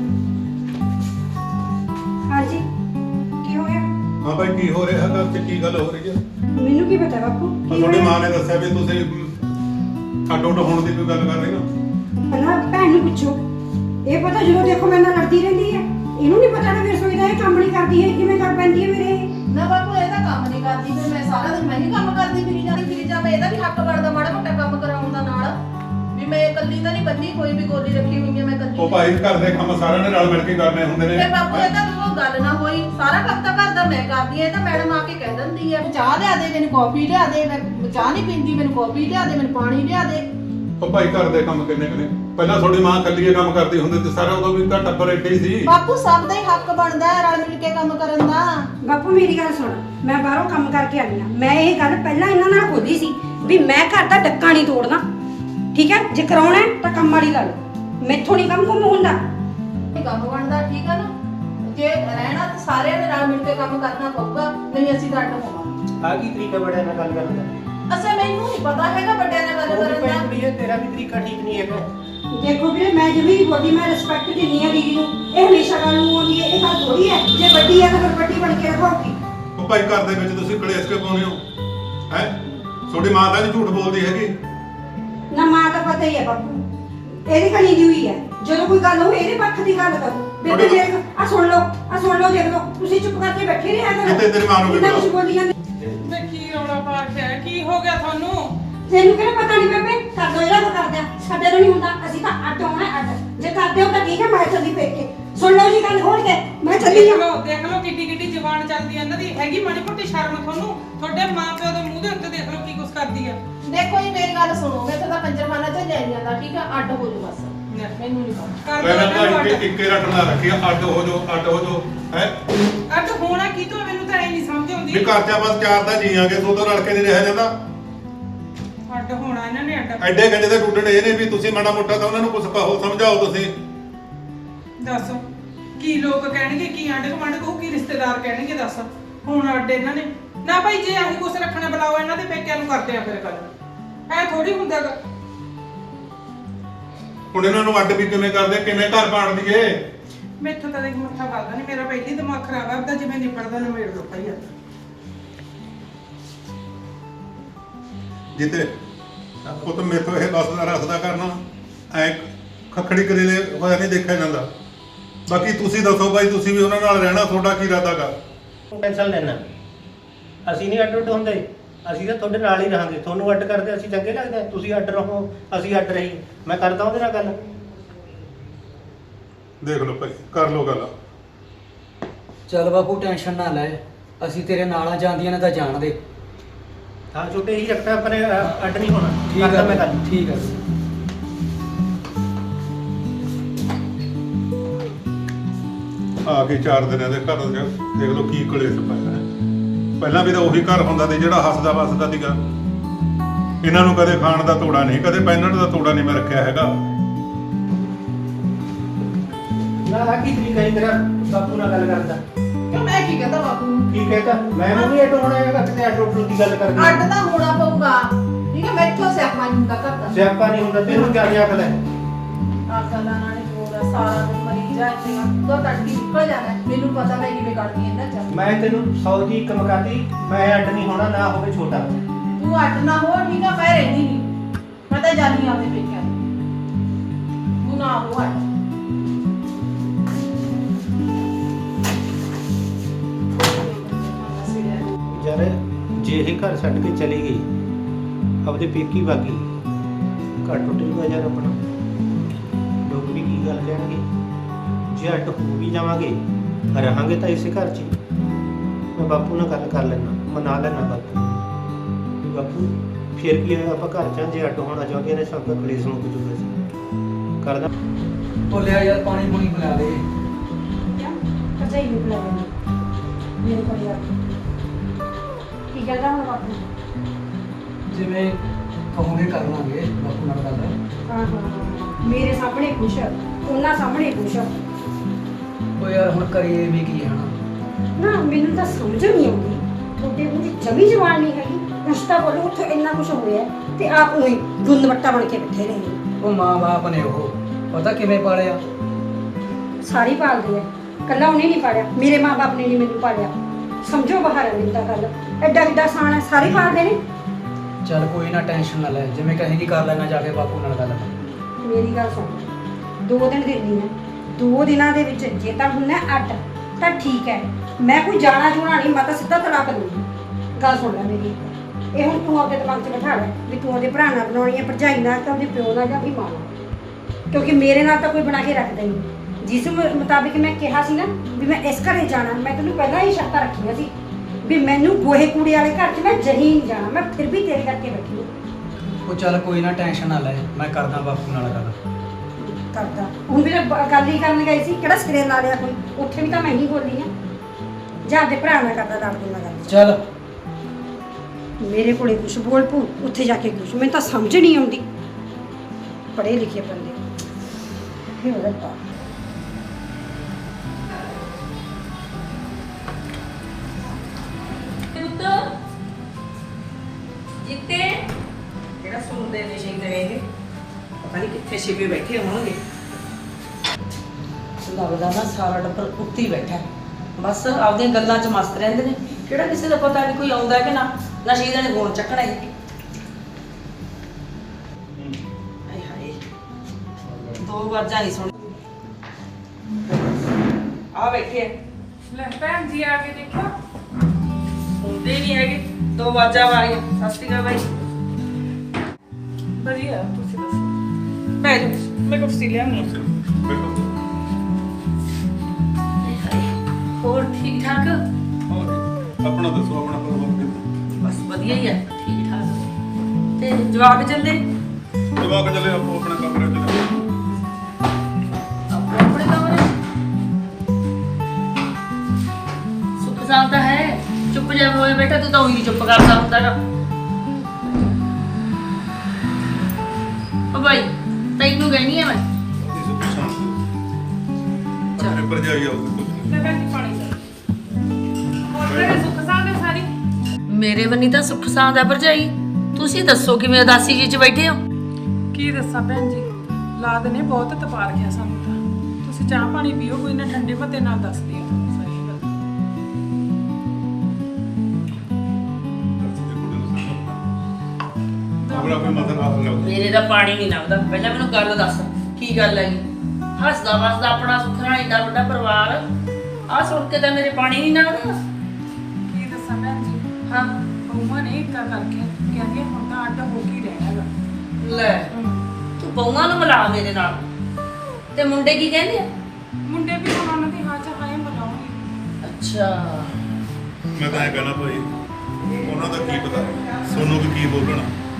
S6: ਹਾਂਜੀ, ਕੀ ਹੋ ਗਿਆ?
S3: ਹਾਂ ਭਾਈ, ਕੀ ਹੋ ਰਿਹਾ ਘਰ 'ਚ? ਕੀ ਗੱਲ ਹੋ ਰਹੀ ਹੈ?
S6: ਮੈਨੂੰ ਕੀ ਪਤਾ ਬਾਪੂ,
S3: ਆ
S6: ਕੀ
S3: ਤੁਹਾਡੀ
S6: ਹੋਇਆ?
S3: ਮਾਂ ਨੇ ਦੱਸਿਆ ਵੀ ਤੁਸੀਂ ਅੱਡ ਉੱਡ ਹੋਣ ਦੀ ਕੋਈ ਗੱਲ ਕਰ ਰਹੇ ਹੋ।
S6: ਪਹਿਲਾਂ ਭੈਣ ਨੂੰ ਪੁੱਛੋ, ਇਹ ਪਤਾ ਜਦੋਂ ਦੇਖੋ ਮੇਰੇ ਨਾਲ ਲੜਦੀ ਰਹਿੰਦੀ ਹੈ। ਇਹਨੂੰ ਨਹੀਂ ਪਤਾ ਨਾ ਮੇਰੇ ਰਸੋਈ ਦਾ ਇਹ ਕੰਮ ਨਹੀਂ ਕਰਦੀ ਹੈ, ਕਿਵੇਂ ਕਰ ਪੈਂਦੀ ਹੈ ਮੇਰੇ।
S1: ਨਾ ਬਾਪੂ ਇਹਦਾ ਕੰਮ ਨਹੀਂ ਕਰਦੀ, ਫਿਰ ਮੈਂ ਸਾਰਾ ਦਿਨ ਮੈਂ ਹੀ ਕੰਮ ਕਰਦੀ ਫਿਰੀ ਜਾਂਦੀ ਫਿਰੀ ਜਾਵਾਂ। ਇਹਦਾ ਵੀ ਹੱਕ ਬਣਦਾ ਮਾੜਾ ਮੋਟਾ ਕੰਮ ਕਰਾਉਣ ਦਾ ਨਾਲ, ਵੀ ਮੈਂ ਇਕੱਲੀ ਤਾਂ ਨਹੀਂ ਬੰਨੀ, ਕੋਈ ਵੀ ਗੋਲੀ ਰੱਖੀ ਹੋਈ ਹੈ ਮੈਂ ਇਕੱਲੀ।
S3: ਉਹ ਭਾਈ ਘਰ ਦੇ ਕੰਮ ਸਾਰਿਆਂ ਨੇ ਰਲ ਮਿਲ ਕੇ ਕਰਨੇ ਹੁੰਦੇ ਨੇ।
S1: ਫਿਰ ਬਾਪੂ ਇਹਦਾ ਕੋਈ ਗੱਲ ਨਾ ਹੋਈ, ਸਾਰਾ ਕੰਮ ਤਾਂ ਘਰ ਦਾ ਮੈਂ ਕਰਦੀ ਐ। ਇਹ ਤਾਂ ਮੈਡਮ ਆ ਕੇ ਕਹਿ ਦਿੰਦੀ ਐ ਚਾਹ ਲਿਆ ਦੇ, ਮੈਨੂੰ ਕਾਫੀ ਲਿਆ ਦੇ, ਮੈਂ ਚਾਹ ਨਹੀਂ ਪੀਂਦੀ, ਮੈਨੂੰ ਕਾਫੀ ਲਿਆ ਦੇ, ਮੈਨੂੰ ਪਾਣੀ ਲਿਆ ਦੇ।
S3: ਉਹ ਭਾਈ ਘਰ ਦੇ ਕੰਮ ਕਿੰਨੇ ਕਿੰਨੇ ਪਹਿਲਾਂ ਤੁਹਾਡੀ ਮਾਂ ਇਕੱਲੀ ਇਹ ਕੰਮ ਕਰਦੀ ਹੁੰਦੀ ਤੇ ਸਾਰਾ ਉਦੋਂ ਵੀ ਤਾਂ ਟੱਬਰ ਏਡੇ ਹੀ ਸੀ।
S1: ਬਾਪੂ ਸਭ ਦਾ ਹੀ ਹੱਕ ਬਣਦਾ ਹੈ ਰਲ ਮਿਲ ਕੇ ਕੰਮ ਕਰਨ ਦਾ।
S6: ਬਾਪੂ ਮੇਰੀ ਗੱਲ ਸੁਣ, ਮੈਂ ਬਾਹਰੋਂ ਕੰਮ ਕਰਕੇ ਆਈ ਹਾਂ। ਮੈਂ ਇਹ ਗੱਲ ਪਹਿਲਾਂ ਇਹਨਾਂ ਨਾਲ ਖੋਲੀ ਸੀ ਵੀ ਮੈਂ ਘਰ ਦਾ ਡੱਕਾ ਨਹੀਂ ਤੋੜਨਾ, ਠੀਕ ਹੈ? ਜੇ ਕਰਾਉਣਾ ਹੈ ਤਾਂ ਕੰਮ ਵਾਲੀ ਗੱਲ, ਮੈਥੋਂ ਨਹੀਂ ਕੰਮ ਕੁੰਮ ਹੁੰਦਾ।
S1: ਇਹ ਕੰਮ ਬਣਦਾ, ਠੀਕ ਹੈ ਨਾ? ਜੇ ਰਹਿਣਾ ਤਾਂ ਸਾਰਿਆਂ ਨੇ ਰਲ ਮਿਲ ਕੇ ਕੰਮ ਕਰਨਾ ਪਊਗਾ, ਨਹੀਂ ਅਸੀਂ ਤਾਂ ਅੱਡ ਹੋਵਾਂਗੇ।
S4: ਆ ਕੀ ਤਰੀਕਾ ਬੜਾ ਨਾਲ ਗੱਲ ਕਰਨ ਦਾ?
S1: ਅਸੇ ਮੈਨੂੰ ਨਹੀਂ ਪਤਾ ਹੈਗਾ ਵੱਡਿਆਂ ਨਾਲ ਗੱਲ
S4: ਉਹ ਵੀ
S1: ਕਰਨ
S4: ਭੈਣ
S1: ਦਾ।
S4: ਕੁੜੀ ਹੈ ਤੇਰਾ ਵੀ ਤਰੀਕਾ ਠੀਕ ਨਹੀਂ ਹੈਗਾ।
S6: ਦੇਖੋ ਵੀਰੇ ਮੈਂ ਜਿਵੇਂ ਹੀ ਬੋਲੀ ਮੈਂ ਰਿਸਪੈਕਟ ਦਿੰਦੀ ਆ ਦੀਦੀ ਨੂੰ। ਇਹ ਹਮੇਸ਼ਾ ਗੱਲ ਨੂੰ ਆਉਂਦੀ ਹੈ, ਇਹ ਗੱਲ ਥੋੜੀ ਹੈ ਜੇ ਵੱਡੀ ਹੈ ਤਾਂ ਫਿਰ ਵੱਡੀ ਬਣ ਕੇ ਰਹੋਗੀ।
S3: ਉਹ ਭਾਈ ਘਰ ਦੇ ਵਿੱਚ ਤੁਸੀਂ ਕਲੇਸ਼ ਕਿਉਂ ਪਾਉਂਦੇ ਹੋ ਹੈ? ਤੁਹਾਡੀ ਮਾਂ ਤਾਂ ਨਹੀਂ ਝੂਠ ਬੋਲਦੀ ਹੈਗੀ।
S6: ਨਾ ਮਾਂ ਦਾ ਪਤਾ ਹੀ ਹੈ ਬਾਪੂ, ਇਹਦੀ ਕਣੀ ਦੀ ਹੋਈ ਹੈ। ਜਦੋਂ ਕੋਈ ਗੱਲ ਹੋਵੇ ਇਹਦੇ ਪੱਖ ਦੀ ਗੱਲ ਕਰੋ। ਬੇਬੇ ਦੇਖ ਆ ਸੁਣ ਲਓ, ਆ ਸੁਣ ਲਓ, ਦੇਖ ਲਓ ਤੁਸੀਂ ਚੁੱਪ ਕਰਕੇ ਬੈਠੇ ਰਿਹਾ ਕਰੋ।
S3: ਕਿਤੇ ਤੇਰੀ ਮਾਂ ਨੂੰ ਵੀ
S6: ਇੰਨਾ
S3: ਬੁਲਾਓ।
S6: ਕੁਛ ਬੋਲੀਆਂ
S2: ਤੇ ਕੀ ਰੌਲਾ ਪਾ ਕੇ ਆਇਆ? ਕੀ ਹੋ ਗਿਆ ਤੁਹਾਨੂੰ?
S6: ਤੈਨੂੰ ਕਿਹੜਾ ਪਤਾ ਨਹੀਂ ਬੇਬੇ, ਕਰ ਦੋ ਜਿਹੜਾ ਕੋ ਕਰਦੇ ਆ, ਸਾਡੇ ਤੋਂ ਨਹੀਂ ਹੁੰਦਾ। ਅਸੀਂ ਤਾਂ ਅੱਡ ਹੋਣਾ ਅੱਡ, ਜੇ ਕਰਦੇ ਹੋ ਤਾਂ ਠੀਕ ਹੈ, ਮੈਂ ਚੱਲੀ ਪੇਕੇ। ਸੁਣ ਲਓ ਜੀ ਗੱਲ ਖੋਲ ਕੇ, ਮੈਂ ਚੱਲੀ
S2: ਦੇਖ
S6: ਆ।
S2: ਲਓ ਦੇਖ ਲਓ ਕਿੱਡੀ ਕਿੱਡੀ ਜ਼ੁਬਾਨ ਚੱਲਦੀ ਹੈ ਇਹਨਾਂ ਦੀ। ਹੈਗੀ ਮਾੜੀ ਮੋਟੀ ਸ਼ਰਮ ਤੁਹਾਨੂੰ? ਤੁਹਾਡੇ ਮਾਂ ਪਿਓ ਦੇ ਮੂੰਹ ਦੇ ਉੱਤੇ ਦੇਖ ਲਓ ਕੀ ਕੁਛ ਕਰਦੀ ਆ।
S1: ਦੇਖੋ ਜੀ ਮੇਰੀ ਗੱਲ ਸੁਣੋ, ਮੈਂ ਤਾਂ ਪੰਜਰਮਾਨਾ ਚ ਜਾਈ ਜਾਂਦਾ, ਠੀਕ ਆ? ਅੱਡ ਹੋ ਜਾਓ ਬਸ, ਮੈਨੂੰ ਨਹੀਂ ਪਤਾ।
S2: ਕਰ ਦੋ
S3: ਪਹਿਲਾਂ
S2: ਇਹਨਾਂ ਨੂੰ
S3: ਤਾਂ
S2: ਅੱਡ।
S3: ਇੱਕੇ ਇੱਕੇ ਰੱਟ ਨਾ ਰੱਖੀ ਅੱਡ ਹੋ ਜਾਓ ਅੱਡ ਹੋ ਜਾਓ ਹੈ।
S2: ਅੱਡ ਹੋਣਾ ਕੀ ਤੋਂ ਮੈਨੂੰ ਤਾਂ ਇਹ ਨਹੀਂ ਸਮਝ ਆਉਂਦੀ।
S3: ਵੀ ਘਰ ਚ ਬਸ ਚਾਰ ਦਾ ਜੀਆਂਗੇ, ਦੋ ਤੋਂ ਰਲ ਕੇ ਨਹੀਂ ਰਿਹਾ ਜਾਂਦਾ।
S2: ਅੱਡ ਹੋਣਾ ਇਹਨਾਂ ਨੇ ਅੱਡ।
S3: ਐਡੇ ਗੰਡੇ ਦੇ ਟੁੱਟਣ ਇਹ ਨੇ ਵੀ ਤੁਸੀਂ ਮਾੜਾ ਮੋਟਾ ਤਾਂ ਉਹਨਾਂ ਨੂੰ ਕੁਝ ਕਹੋ, ਸਮਝਾਓ ਤੁਸੀਂ।
S2: ਦੱਸ ਕੀ ਲੋਕ ਕਹਿਣਗੇ, ਕੀ ਆਂਢ ਗੁਆਂਢ ਕਹੂ, ਕੀ ਰਿਸ਼ਤੇਦਾਰ ਕਹਿਣਗੇ? ਦੱਸ ਹੁਣ ਅੱਡ ਇਹਨਾਂ ਨੇ ਨਾ ਭਾਈ। ਜੇ ਅਸੀਂ ਕੁਛ ਰੱਖਣਾ ਬੁਲਾਓ ਇਹਨਾਂ ਦੇ ਪੇਕਿਆਂ ਨੂੰ ਕਰਦੇ ਆ ਫਿਰ ਗੱਲ। ਐ ਥੋੜੀ ਹੁੰਦਾ ਗਾ।
S3: ਹੁਣ ਇਹਨਾਂ ਨੂੰ ਅੱਡ ਵੀ ਕਿਵੇਂ ਕਰਦੇ, ਕਿਵੇਂ ਘਰ ਪਾੜ ਦਈਏ?
S2: ਮੈਥੋਂ ਤਾਂ ਦੇਖ ਮੱਥਾ ਵੱਲਦਾ ਨਹੀਂ, ਮੇਰਾ ਪਹਿਲੀ ਦਿਮਾਗ ਖਰਾਬ ਹੈ। ਆਪਦਾ ਜਿਵੇਂ ਨਿਪੜਦਾ ਨਿਬੇੜ ਲਓ ਭਾਈ। ਅੱਜ
S3: ਜਿੱਤੇ ਉਹ ਤਾਂ ਮੇਥੋਂ ਇਹ ਬਸਦਾ ਰਸਦਾ ਕਰਨਾ ਐ ਖਖੜੀ ਕਰੇਲੇ ਹੋਇਆ ਨਹੀਂ ਦੇਖਿਆ ਜਾਂਦਾ। ਬਾਕੀ ਤੁਸੀਂ ਦੱਸੋ ਬਾਈ, ਤੁਸੀਂ ਵੀ ਉਹਨਾਂ ਨਾਲ ਰਹਿਣਾ, ਤੁਹਾਡਾ ਕੀ ਇਰਾਦਾ ਗਾ?
S4: ਟੈਨਸ਼ਨ ਲੈਣਾ, ਅਸੀਂ ਨਹੀਂ ਅੱਡ ਉੱਡ ਹੁੰਦੇ। ਅਸੀਂ ਤਾਂ ਤੁਹਾਡੇ ਨਾਲ ਹੀ ਰਹਾਂਗੇ। ਤੁਹਾਨੂੰ ਅੱਡ ਕਰਦੇ ਅਸੀਂ ਚੰਗੇ ਲੱਗਦੇ? ਤੁਸੀਂ ਅੱਡ ਰਹੋ ਅਸੀਂ ਅੱਡ ਰਹੀ। ਮੈਂ ਕਰਦਾ ਉਹਦੇ ਨਾਲ ਗੱਲ।
S3: ਦੇਖ ਲਓ ਭਾਈ, ਕਰ ਲਓ ਗੱਲ।
S5: ਚੱਲ ਬਾਪੂ ਟੈਨਸ਼ਨ ਨਾ ਲੈ, ਅਸੀਂ ਤੇਰੇ ਨਾਲ ਆ, ਜਾਂਦੀਆਂ ਨੇ ਤਾਂ ਜਾਣ ਦੇ।
S4: ਹਾਂ ਛੋਟੇ ਹੀ ਰੱਖਣਾ, ਪਰ ਅੱਡ ਨਹੀਂ ਹੋਣਾ।
S5: ਠੀਕ
S4: ਕਰਦਾ
S5: ਹੈ
S4: ਮੈਂ ਗੱਲ।
S5: ਠੀਕ ਹੈ।
S3: ਆ ਕੇ ਚਾਰ ਦਿਨਾਂ ਦੇ ਘਰ ਚ ਦੇਖ ਲਓ ਕੀ ਕਲੇਸ਼ ਪਾਇਆ ਹੈ। ਪਹਿਲਾਂ ਵੀ ਤਾਂ ਉਹੀ ਘਰ ਹੁੰਦਾ ਸੀ ਜਿਹੜਾ ਹੱਸਦਾ ਵਸਦਾ ਸੀਗਾ। ਇਹਨਾਂ ਨੂੰ ਕਦੇ ਖਾਣ ਦਾ ਤੋੜਾ ਨਹੀਂ, ਕਦੇ ਪਹਿਨਣ ਦਾ ਤੋੜਾ ਨਹੀਂ ਮੈਂ ਰੱਖਿਆ ਹੈਗਾ।
S4: ਨਾ ਆ ਕੀ ਤਰੀਕਾ ਹੈ ਤੇਰਾ ਬਾਪੂ ਨਾਲ ਗੱਲ ਕਰਦਾ?
S1: ਕਿਉਂ ਮੈਂ ਕੀ ਕਹਤਾ ਬਾਪੂ ਨੂੰ?
S4: ਕੀ ਕਹਿੰਦਾ? ਮੈਂ ਨੂੰ ਨਹੀਂ ਅੱਡ ਹੋਣਾ ਹੈਗਾ, ਕਿਤੇ ਅੱਡ ਉੱਡ ਦੀ ਗੱਲ ਕਰਦੀ।
S1: ਅੱਡ ਤਾਂ ਹੋਣਾ ਪਊਗਾ, ਠੀਕ ਹੈ? ਮੈਥੋਂ ਸਿਆਪਾ ਨਹੀਂ ਹੁੰਦਾ ਘਰ ਦਾ।
S4: ਸਿਆਪਾ ਨਹੀਂ ਹੁੰਦਾ, ਤੈਨੂੰ ਕਿਆ ਅਕਲ ਹੈ?
S1: ਅਕਲਾਂ ਨਾਲ ਹੀ ਹੋਗਾ, ਸਾਰਾ ਦਿਨ ਮਰੀ ਜਾਏਗਾ, ਤਾਂ ਤੜਕੀ ਨਿਕਲ ਜਾਣਾ। ਮੈਨੂੰ ਪਤਾ ਮੈਂ ਕਿਵੇਂ ਕਰਦੀ ਇਹਨਾਂ ਚ।
S4: ਮੈਂ ਤੈਨੂੰ ਸੌ ਦੀ ਇੱਕ ਮਕਾਤੀ, ਮੈਂ ਅੱਡ ਨਹੀਂ ਹੋਣਾ, ਨਾ ਹੋਵੇ ਛੋਟਾ।
S1: ਤੂੰ ਅੱਡ ਨਾ ਹੋ, ਠੀਕ ਆ? ਮੈਂ ਰਹਿੰਦੀ ਨਹੀਂ, ਮੈਂ ਤਾਂ ਜਾਣੀ ਆਪੇ ਪੇਕਿਆਂ ਨੂੰ। ਤੂੰ ਨਾ ਹੋ ਅੱਡ।
S4: ਯਾਰ ਜੇ ਇਹ ਘਰ ਛੱਡ ਕੇ ਚਲੀ ਗਈ, ਆਪਦੇ ਪੇਕੀ ਬਾਗੀ, ਘਰ ਟੁੱਟ ਜੂਗਾ ਯਾਰ ਆਪਣਾ। ਲੋਕ ਵੀ ਕੀ ਗੱਲ ਕਹਿਣਗੇ? ਜੇ ਅੱਡ ਹੋ ਵੀ ਜਾਵਾਂਗੇ, ਰਹਾਂਗੇ ਤਾਂ ਇਸੇ ਘਰ 'ਚ ਹੀ। ਮੈਂ ਬਾਪੂ ਨਾਲ ਗੱਲ ਕਰ ਲੈਣਾ, ਮਨਾ ਲੈਣਾ ਬਾਪੂ ਨੂੰ ਵੀ ਬਾਪੂ ਫਿਰ ਕੀ ਹੋਇਆ, ਆਪਾਂ ਘਰ 'ਚ ਹਾਂ, ਜੇ ਅੱਡ ਹੋਣਾ ਚਾਹੁੰਦੀਆਂ ਨੇ ਸਭ ਦਾ ਕਲੇਸ਼ ਮੁੱਕ ਜੂਗਾ ਸੀ। ਕਰਦਾ
S5: ਉਹ ਲਿਆ ਯਾਰ ਪਾਣੀ ਪੂਣੀ ਪਿਲਾ ਦੇ।
S6: ਕਿਆ ਭਰਜਾਈ ਨੂੰ ਬੁਲਾ ਲੈਣੀ ਮੇਰੇ ਕੋਲ ਯਾਰ। ਕੀ ਕਹਿੰਦਾ ਹੁਣ ਬਾਪੂ?
S5: ਜਿਵੇਂ ਕਹੋਗੇ ਕਰ ਲਾਂਗੇ ਬਾਪੂ ਨਾਲ ਗੱਲ।
S6: ਹਾਂ ਹਾਂ, ਮੇਰੇ ਸਾਹਮਣੇ ਖੁਸ਼, ਉਹਨਾਂ ਸਾਹਮਣੇ ਖੁਸ਼।
S5: ਉਹ ਯਾਰ ਹੁਣ ਕਰੀਏ ਵੀ ਕੀ ਹਨਾ।
S6: ਨਾ ਮੈਨੂੰ ਤਾਂ ਸਮਝ ਨਹੀਂ ਆਉਂਦੀ, ਤੁਹਾਡੇ ਮੂੰਹ 'ਚ ਜਮੀ ਜਵਾਨ ਨਹੀਂ ਹੈਗੀ। ਕੁਛ ਤਾਂ ਬੋਲੋ, ਉੱਥੇ ਇੰਨਾ ਕੁਛ ਹੋਇਆ ਤੇ ਆਪ ਉਹੀ ਗੁੰਦ ਵੱਟਾ ਬਣ ਕੇ ਬੈਠੇ ਰਹੇ।
S5: ਉਹ ਮਾਂ ਬਾਪ ਨੇ ਉਹ ਪਤਾ ਕਿਵੇਂ ਪਾਲਿਆ।
S6: ਸਾਰੀ ਪਾਲਦੇ ਆ, ਕੱਲਾ ਉਹਨੇ ਨਹੀਂ ਪਾਲਿਆ, ਮੇਰੇ ਮਾਂ-ਬਾਪ ਨੇ ਨਹੀਂ ਮੈਨੂੰ ਪਾਲਿਆ। ਸਮਝੋ ਬਾਹਰ ਹੈ ਤਾਂ ਗੱਲ, ਐਡਾ ਐਡਾ ਸਾਨ ਹੈ, ਸਾਰੇ ਪਾਲਦੇ ਨੇ।
S5: ਚੱਲ ਕੋਈ ਨਾ ਟੈਨਸ਼ਨ ਨਾ ਲੈ, ਜਿਵੇਂ ਕਹੇਗੀ ਕਰ ਲੈਣਾ ਜਾ ਕੇ ਬਾਪੂ ਨਾਲ ਗੱਲ।
S6: ਮੇਰੀ ਗੱਲ ਸੁਣ, ਦੋ ਦਿਨ ਦਿੰਦੀ ਹੈ, ਦੋ ਦਿਨਾਂ ਦੇ ਵਿੱਚ ਜੇ ਤਾਂ ਹੁੰਨਾ ਅੱਡ ਤਾਂ ਠੀਕ ਹੈ। ਮੈਂ ਕੋਈ ਜਾਣਾ ਜੂਣਾ ਨਹੀਂ, ਮੈਂ ਤਾਂ ਸਿੱਧਾ ਤਲਾਕ ਦੂੰਗੀ। ਗੱਲ ਸੁਣ ਲੈ ਮੇਰੀ, ਇਹ ਹੁਣ ਤੂੰ ਆਪਣੇ ਦਿਮਾਗ 'ਚ ਬਿਠਾ ਲੈ ਵੀ ਤੂੰ ਉਹਦੇ ਭਰਾ ਨਾਲ ਬਣਾਉਣੀ ਹੈ, ਭਰਜਾਈ ਨਾਲ ਤਾਂ ਉਹਦੇ ਪਿਓ ਨਾਲ ਜਾਂ ਵੀ ਮਾਂ ਨਾਲ, ਕਿਉਂਕਿ ਮੇਰੇ ਨਾਲ ਤਾਂ ਕੋਈ ਬਣਾ ਕੇ ਰੱਖਦਾ ਹੀ ਨਹੀਂ। ਜਿਸ ਮੁ- ਮੁਤਾਬਿਕ ਮੈਂ ਕਿਹਾ ਸੀ ਨਾ ਵੀ ਮੈਂ ਇਸ ਘਰੇ ਜਾਣਾ, ਮੈਂ ਤੈਨੂੰ ਪਹਿਲਾਂ ਹੀ ਸ਼ਰਤਾਂ ਰੱਖੀਆਂ ਸੀ ਵੀ ਮੈਨੂੰ ਗੋਹੇ ਕੂੜੇ ਵਾਲੇ ਘਰ 'ਚ ਮੈਂ ਜਹੀਂ ਨਹੀਂ ਜਾਣਾ। ਮੈਂ ਫਿਰ ਵੀ ਤੇਰੇ ਕਰਕੇ ਬੈਠੀ ਹਾਂ।
S5: ਉਹ ਚੱਲ ਕੋਈ ਨਾ ਟੈਨਸ਼ਨ ਨਾ ਲੈ, ਮੈਂ ਕਰਦਾ ਬਾਪੂ ਨਾਲ ਗੱਲ।
S6: ਕਰਦਾ ਹੁਣ ਵੀ ਤਾਂ ਗੱਲ ਹੀ ਕਰਨ ਗਈ ਸੀ, ਕਿਹੜਾ ਸਿਰੇ ਲਾ ਲਿਆ ਕੋਈ? ਉੱਥੇ ਵੀ ਤਾਂ ਮੈਂ ਹੀ ਬੋਲੀ ਆ, ਜਾਂ ਦੇ ਭਰਾ ਨਾਲ ਕਰਦਾ ਲੜਦੇ ਨਾਲ ਗੱਲ।
S5: ਚੱਲ
S6: ਮੇਰੇ ਕੋਲੇ ਕੁਛ ਬੋਲ ਪੂ, ਉੱਥੇ ਜਾ ਕੇ ਕੁਛ, ਮੈਨੂੰ ਤਾਂ ਸਮਝ ਨਹੀਂ ਆਉਂਦੀ। ਪੜ੍ਹੇ ਲਿਖੇ ਬੰਦੇ ਇਹ ਹੋ ਰੱਬਾ।
S7: ਜਿੱਤੇ ਕਿਹੜਾ ਸੁਣਦੇ ਨੇ ਸ਼ਹੀਦ ਇਹ ਪਤਾ ਨਹੀਂ ਕਿੱਥੇ ਛਿਪੇ ਬੈਠੇ ਹੋਣਗੇ। ਲੱਗਦਾ ਨਾ ਸਾਰਾ ਟੱਬਰ ਉੱਤੀ ਬੈਠਾ ਹੈ। ਬਸ ਆਪਦੀਆਂ ਗੱਲਾਂ 'ਚ ਮਸਤ ਰਹਿੰਦੇ ਨੇ। ਕਿਹੜਾ ਕਿਸੇ ਦਾ ਪਤਾ ਨਹੀਂ ਕੋਈ ਆਉਂਦਾ ਕਿ ਨਾ ਨਾ ਸ਼ਹੀਦਾਂ ਨੇ ਫੋਨ ਚੱਕਣਾ ਹੈ। ਹਾਏ ਹਾਏ ਦੋ ਵਾਜਾਂ ਨਹੀਂ ਸੁਣ ਆ ਬੈਠੇ ਆ।
S2: ਲੈ ਭੈਣ ਜੀ ਆ ਕੇ ਦੇਖਿਆ
S7: ਹੁੰਦੇ ਨਹੀਂ ਹੈਗੇ। ਦੋ ਵਾਜਾਂ ਮਾਰੀਆਂ। ਸਤਿ ਸ਼੍ਰੀ ਅਕਾਲ ਬਾਈ।
S2: ਵਧੀਆ ਤੁਸੀਂ ਦੱਸੋ। ਬਹਿ ਜਾਓ ਮੈਂ ਕੁਰਸੀ ਲਿਆਉਣੀ ਆ।
S3: ਬੈਠੋ।
S7: ਹੋਰ ਠੀਕ ਠਾਕ?
S3: ਹੋਰ ਜੀ, ਆਪਣਾ ਦੱਸੋ, ਆਪਣਾ ਪਰਿਵਾਰ ਕਿੱਦਾਂ?
S7: ਬਸ ਵਧੀਆ ਹੀ ਹੈ, ਠੀਕ ਠਾਕ। ਤੇ ਜਵਾਕ ਚੱਲੇ
S3: ਜਵਾਕ ਚਲੇ ਆਪੋ ਆਪਣੇ ਕਮਰੇ ਚ ਨੇ।
S7: ਆਪੋ ਆਪਣੇ ਕਮਰੇ। ਸੁੱਖ ਸਾਂਦ ਤਾਂ ਹੈ। ਚੁੱਪ ਜਾ ਹੋਏ ਬੈਠਾ ਤੂੰ ਤਾਂ ਉਹੀ ਚੁੱਪ ਕਰਦਾ ਹੁੰਦਾ ਗਾ। ਓ ਭਾਈ ਤੈਨੂੰ ਕਹਿਣੀ ਹੈ ਮੈਂ।
S3: ਇਸ ਤੋਂ ਸ਼ਾਂਤ ਆਪਣੇ ਭਰਜਾਈ ਆਉਗੀ ਕੁਝ ਨਹੀਂ।
S2: ਲੈ ਭੈਣ ਜੀ ਪਾਣੀ ਲੈ। ਹੋਰ ਮੇਰੇ ਸੁੱਖ ਸਾਂਦ ਹੈ ਸਾਰੀ।
S7: ਮੇਰੇ ਬੰਨੀ ਤਾਂ ਸੁੱਖ ਸਾਂਦ ਹੈ ਭਰਜਾਈ। ਤੁਸੀਂ ਦੱਸੋ ਕਿਵੇਂ ਉਦਾਸੀ ਜੀ ਚ ਬੈਠੇ ਹੋ?
S2: ਕੀ ਦੱਸਾਂ ਭੈਣ ਜੀ, ਲਾਦ ਨੇ ਬਹੁਤ ਤਪਾ ਰੱਖਿਆ ਸਾਨੂੰ ਤਾਂ। ਤੁਸੀਂ ਚਾਹ ਪਾਣੀ ਪੀਓ, ਕੋਈ ਨਾ ਠੰਡੇ ਮੱਤੇ ਨਾਲ ਦੱਸਦੀ ਆ ਤੁਹਾਨੂੰ ਸਾਰੀ ਗੱਲ।
S3: ਆਪਣਾ ਕੋਈ ਮਤਲਬ ਆ ਲਓ।
S7: ਮੇਰੇ ਦਾ ਪਾਣੀ ਨਹੀਂ ਲੱਗਦਾ। ਪਹਿਲਾਂ ਮੈਨੂੰ ਗੱਲ ਦੱਸ ਕੀ ਗੱਲ ਹੈਗੀ? ਹੱਸਦਾ ਵਸਦਾ ਆਪਣਾ ਸੁੱਖ ਨਾਲ ਏਡਾ ਵੱਡਾ ਪਰਿਵਾਰ ਆ ਸੁਣ ਕੇ ਤਾਂ ਮੇਰੇ ਪਾਣੀ ਨਹੀਂ ਲੱਗਦਾ।
S2: ਕੀ ਦੱਸਾਂ ਭੈਣ ਜੀ,
S7: ਹਾਂ
S2: ਬਹੂਆਂ ਨੇ ਇੱਕਾ ਕਰਕੇ ਕਹਿੰਦੀ ਹੁਣ ਤਾਂ ਅੱਡ ਹੋ ਕੇ ਹੀ ਰਹਿਣਾ ਗਾ।
S7: ਲੈ ਤੂੰ ਬਹੂਆਂ ਨੂੰ ਮਿਲਾ ਮੇਰੇ ਨਾਲ। ਤੇ ਮੁੰਡੇ ਕੀ ਕਹਿੰਦੇ ਆ?
S2: ਮੁੰਡੇ ਵੀ ਹੁਣ ਉਹਨਾਂ ਦੀ ਹਾਂ ਚ ਹਾਂ ਮਿਲਾਉਂਗੀ।
S7: ਅੱਛਾ
S3: ਮੈਂ ਤਾਂ ਇਹ ਕਹਿਣਾ ਭਾਈ, ਉਹਨਾਂ ਦਾ ਕੀ ਪਤਾ ਸੋਨੂੰ ਵੀ ਕੀ ਬੋਲਣਾ।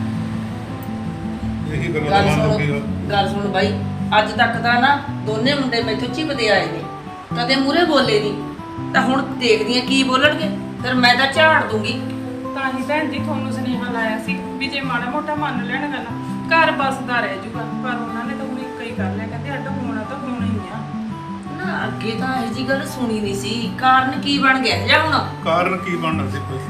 S3: ਇਹੀ ਗੱਲਾਂ ਦਾ
S7: ਗੱਲ
S3: ਮਨ
S7: ਸੁਣ
S3: ਲੱਗੇਗਾ।
S7: ਗੱਲ ਸੁਣ ਬਾਈ, ਅੱਜ ਤੱਕ ਤਾਂ ਨਾ ਦੋਨੇ ਮੁੰਡੇ ਮੈਥੋਂ ਚਿਪਦੇ ਆਏ ਨੇ, ਕਦੇ ਮੂਰੇ ਬੋਲੇ ਨਹੀਂ। ਤਾਂ ਹੁਣ ਦੇਖਦੀ ਆ ਕੀ ਬੋਲਣਗੇ, ਫਿਰ ਮੈਂ ਤਾਂ ਝਾੜ ਦੂੰਗੀ।
S2: ਤਾਂ ਹੀ ਭੈਣ ਜੀ ਤੁਹਾਨੂੰ ਸੁਨੇਹਾ ਲਾਇਆ ਸੀ ਵੀ ਜੇ ਮਾੜਾ ਮੋਟਾ ਮੰਨ ਲੈਣ ਗੱਲ ਘਰ ਬਸਦਾ ਰਹਿ ਜੂਗਾ। ਪਰ ਉਹਨਾਂ ਨੇ ਤਾਂ ਹੁਣ ਇੱਕ ਹੀ ਕਰ ਲਿਆ, ਕਹਿੰਦੇ ਅੱਡ ਹੋਣਾ ਤਾਂ ਹੋਣਾ ਹੀ ਆ।
S7: ਨਾ ਅੱਗੇ ਤਾਂ ਇਹ ਜੀ ਗੱਲ ਸੁਣੀ ਨਹੀਂ ਸੀ। ਕਾਰਨ ਕੀ ਬਣ ਗਿਆ ਜਾਂ ਹੁਣ?
S3: ਕਾਰਨ ਕੀ ਬਣਨਾ ਸੀ ਕੋਈ?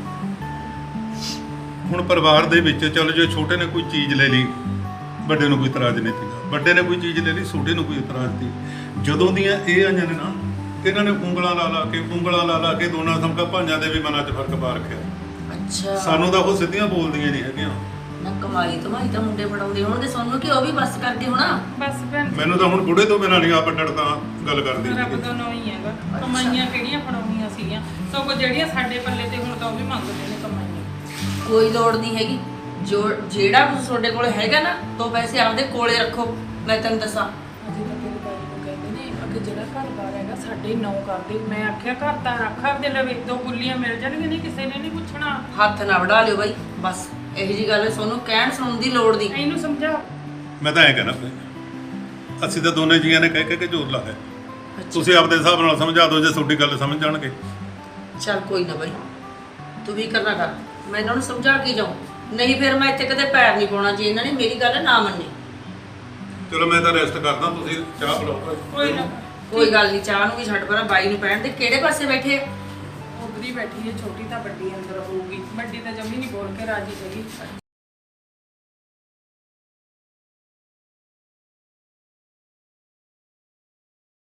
S3: ਹੁਣ ਪਰਿਵਾਰ ਦੇ ਵਿੱਚ ਚਲੋ ਜੇ ਛੋਟੇ ਨੇ ਕੋਈ ਚੀਜ਼ ਲੈ ਲਈ, ਵੱਡੇ ਨੂੰ ਕੋਈ ਇਤਰਾਜ਼ ਨਹੀਂ ਸੀਗਾ। ਵੱਡੇ ਨੇ ਕੋਈ ਚੀਜ਼ ਲੈ ਲਈ, ਛੋਟੇ ਨੂੰ ਕੋਈ ਇਤਰਾਜ਼ ਸੀ। ਜਦੋਂ ਦੀਆਂ ਇਹ ਆਈਆਂ ਨੇ ਨਾ, ਇਹਨਾਂ ਨੇ ਉਂਗਲਾਂ ਲਾ ਲਾ ਕੇ ਉਂਗਲਾਂ ਲਾ ਲਾ ਕੇ ਦੋਨਾਂ ਸਮਕਾ ਭਾਂਜਾਂ ਦੇ ਵੀ ਮਨਾਂ 'ਚ ਫਰਕ ਪਾ ਰੱਖਿਆ।
S7: ਅੱਛਾ
S3: ਸਾਨੂੰ ਤਾਂ ਉਹ ਸਿੱਧੀਆਂ ਬੋਲਦੀਆਂ ਨਹੀਂ ਹੈਗੀਆਂ।
S7: ਨਾ ਕਮਾਈ ਧਮਾਈ ਤਾਂ ਮੁੰਡੇ ਫੜਾਉਂਦੇ ਹੋਣਗੇ ਸਾਨੂੰ, ਕਿ ਉਹ ਵੀ ਬਸ ਕਰਕੇ ਹੋਣਾ।
S2: ਬਸ ਭੈਣ ਜੀ
S3: ਮੈਨੂੰ ਤਾਂ ਹੁਣ ਬੁੜੇ ਤੋਂ ਬਿਨਾਂ ਨਹੀਂ ਆਪ ਡੜਦਾ ਗੱਲ ਕਰਦੀ
S2: ਰੱਬ
S3: ਸੀਗੀ।
S2: ਦਾ ਨਾਂ ਹੀ ਹੈਗਾ। ਕਮਾਈਆਂ ਕਿਹੜੀਆਂ ਫੜਾਉਣੀਆਂ ਸੀਗੀਆਂ, ਸਗੋਂ ਜਿਹੜੀਆਂ ਸਾਡੇ ਪੱਲੇ ਤੇ ਹੁਣ ਤਾਂ ਉਹ ਵੀ ਮੰਗਦੇ ਨੇ ਕਮਾਈਆਂ।
S7: ਕੋਈ ਲੋੜ ਨਹੀਂ ਹੈਗੀ। ਜੋ ਜਿਹੜਾ ਕੁਝ ਤੁਹਾਡੇ ਕੋਲ ਹੈਗਾ ਨਾ, ਦੋ ਪੈਸੇ ਆਪਦੇ ਕੋਲੇ ਰੱਖੋ। ਮੈਂ ਤੈਨੂੰ ਦੱਸਾਂ,
S2: ਅਜੇ ਤਾਂ ਮੇਰੇ ਬਾਈ ਨੂੰ ਕਹਿੰਦੇ ਨੇ ਅੱਗੇ ਜਿਹੜਾ ਘਰ ਬਾਰ ਹੈਗਾ ਸਾਡੇ ਨੌ ਕਰਦੇ। ਮੈਂ ਆਖਿਆ ਘਰ ਤਾਂ ਰੱਖ ਆਪਦੇ ਲਵੇ, ਦੋ ਗੁੱਲੀਆਂ ਮਿਲ ਜਾਣਗੀਆਂ, ਨਹੀਂ ਕਿਸੇ ਨੇ ਨਹੀਂ ਪੁੱਛਣਾ।
S7: ਹੱਥ ਨਾ ਵੜਾ ਲਿਓ ਬਾਈ। ਬਸ ਇਹੋ ਜੀ ਗੱਲ ਤੁਹਾਨੂੰ ਕਹਿਣ ਸੁਣਨ ਦੀ ਲੋੜ ਨਹੀਂ।
S2: ਇਹਨੂੰ ਸਮਝਾ।
S3: ਮੈਂ ਤਾਂ ਐਂ ਕਹਿਣਾ ਭਾਈ, ਅਸੀਂ ਤਾਂ ਦੋਨੇ ਜੀਆਂ ਨੇ ਕਹਿ ਕਹਿ ਕੇ ਜ਼ੋਰ ਲਾਇਆ। ਤੁਸੀਂ ਆਪਦੇ ਹਿਸਾਬ ਨਾਲ ਸਮਝਾ ਦਿਓ ਜੇ ਤੁਹਾਡੀ ਗੱਲ ਸਮਝ ਜਾਣਗੇ।
S7: ਚੱਲ ਕੋਈ ਨਾ ਬਾਈ, ਤੂੰ ਵੀ ਕਰਨਾ ਕਰ। ਮੈਂ ਇਹਨਾਂ ਨੂੰ ਸਮਝਾ ਕੇ ਜਾਉਂ, ਨਹੀਂ ਫਿਰ ਮੈਂ ਇੱਥੇ ਕਦੇ ਪੈਰ ਨਹੀਂ ਪਾਉਣਾ ਜੇ ਇਹਨਾਂ ਨੇ ਮੇਰੀ ਗੱਲ ਨਾ ਮੰਨੀ।
S3: ਚਲੋ ਮੈਂ ਤਾਂ ਰੈਸਟ ਕਰਦਾ, ਤੁਸੀਂ ਚਾਹ ਬਣਾਓ।
S2: ਕੋਈ ਨਾ,
S7: ਕੋਈ ਗੱਲ ਨਹੀਂ, ਚਾਹ ਨੂੰ ਵੀ ਛੱਡ ਪਰਾਂ। ਬਾਈ ਨੂੰ ਪੈਣ ਦੇ। ਕਿਹੜੇ ਪਾਸੇ ਬੈਠੇ ਆ?
S2: ਉਧਰੀ ਬੈਠੀ ਹੈ। ਛੋਟੀ ਤਾਂ ਵੱਡੀ ਅੰਦਰ ਹੋਊਗੀ, ਵੱਡੀ ਤਾਂ ਜੰਮੀ ਨਹੀਂ ਬੋਲ ਕੇ ਰਾਜੀ ਹੈਗੀ।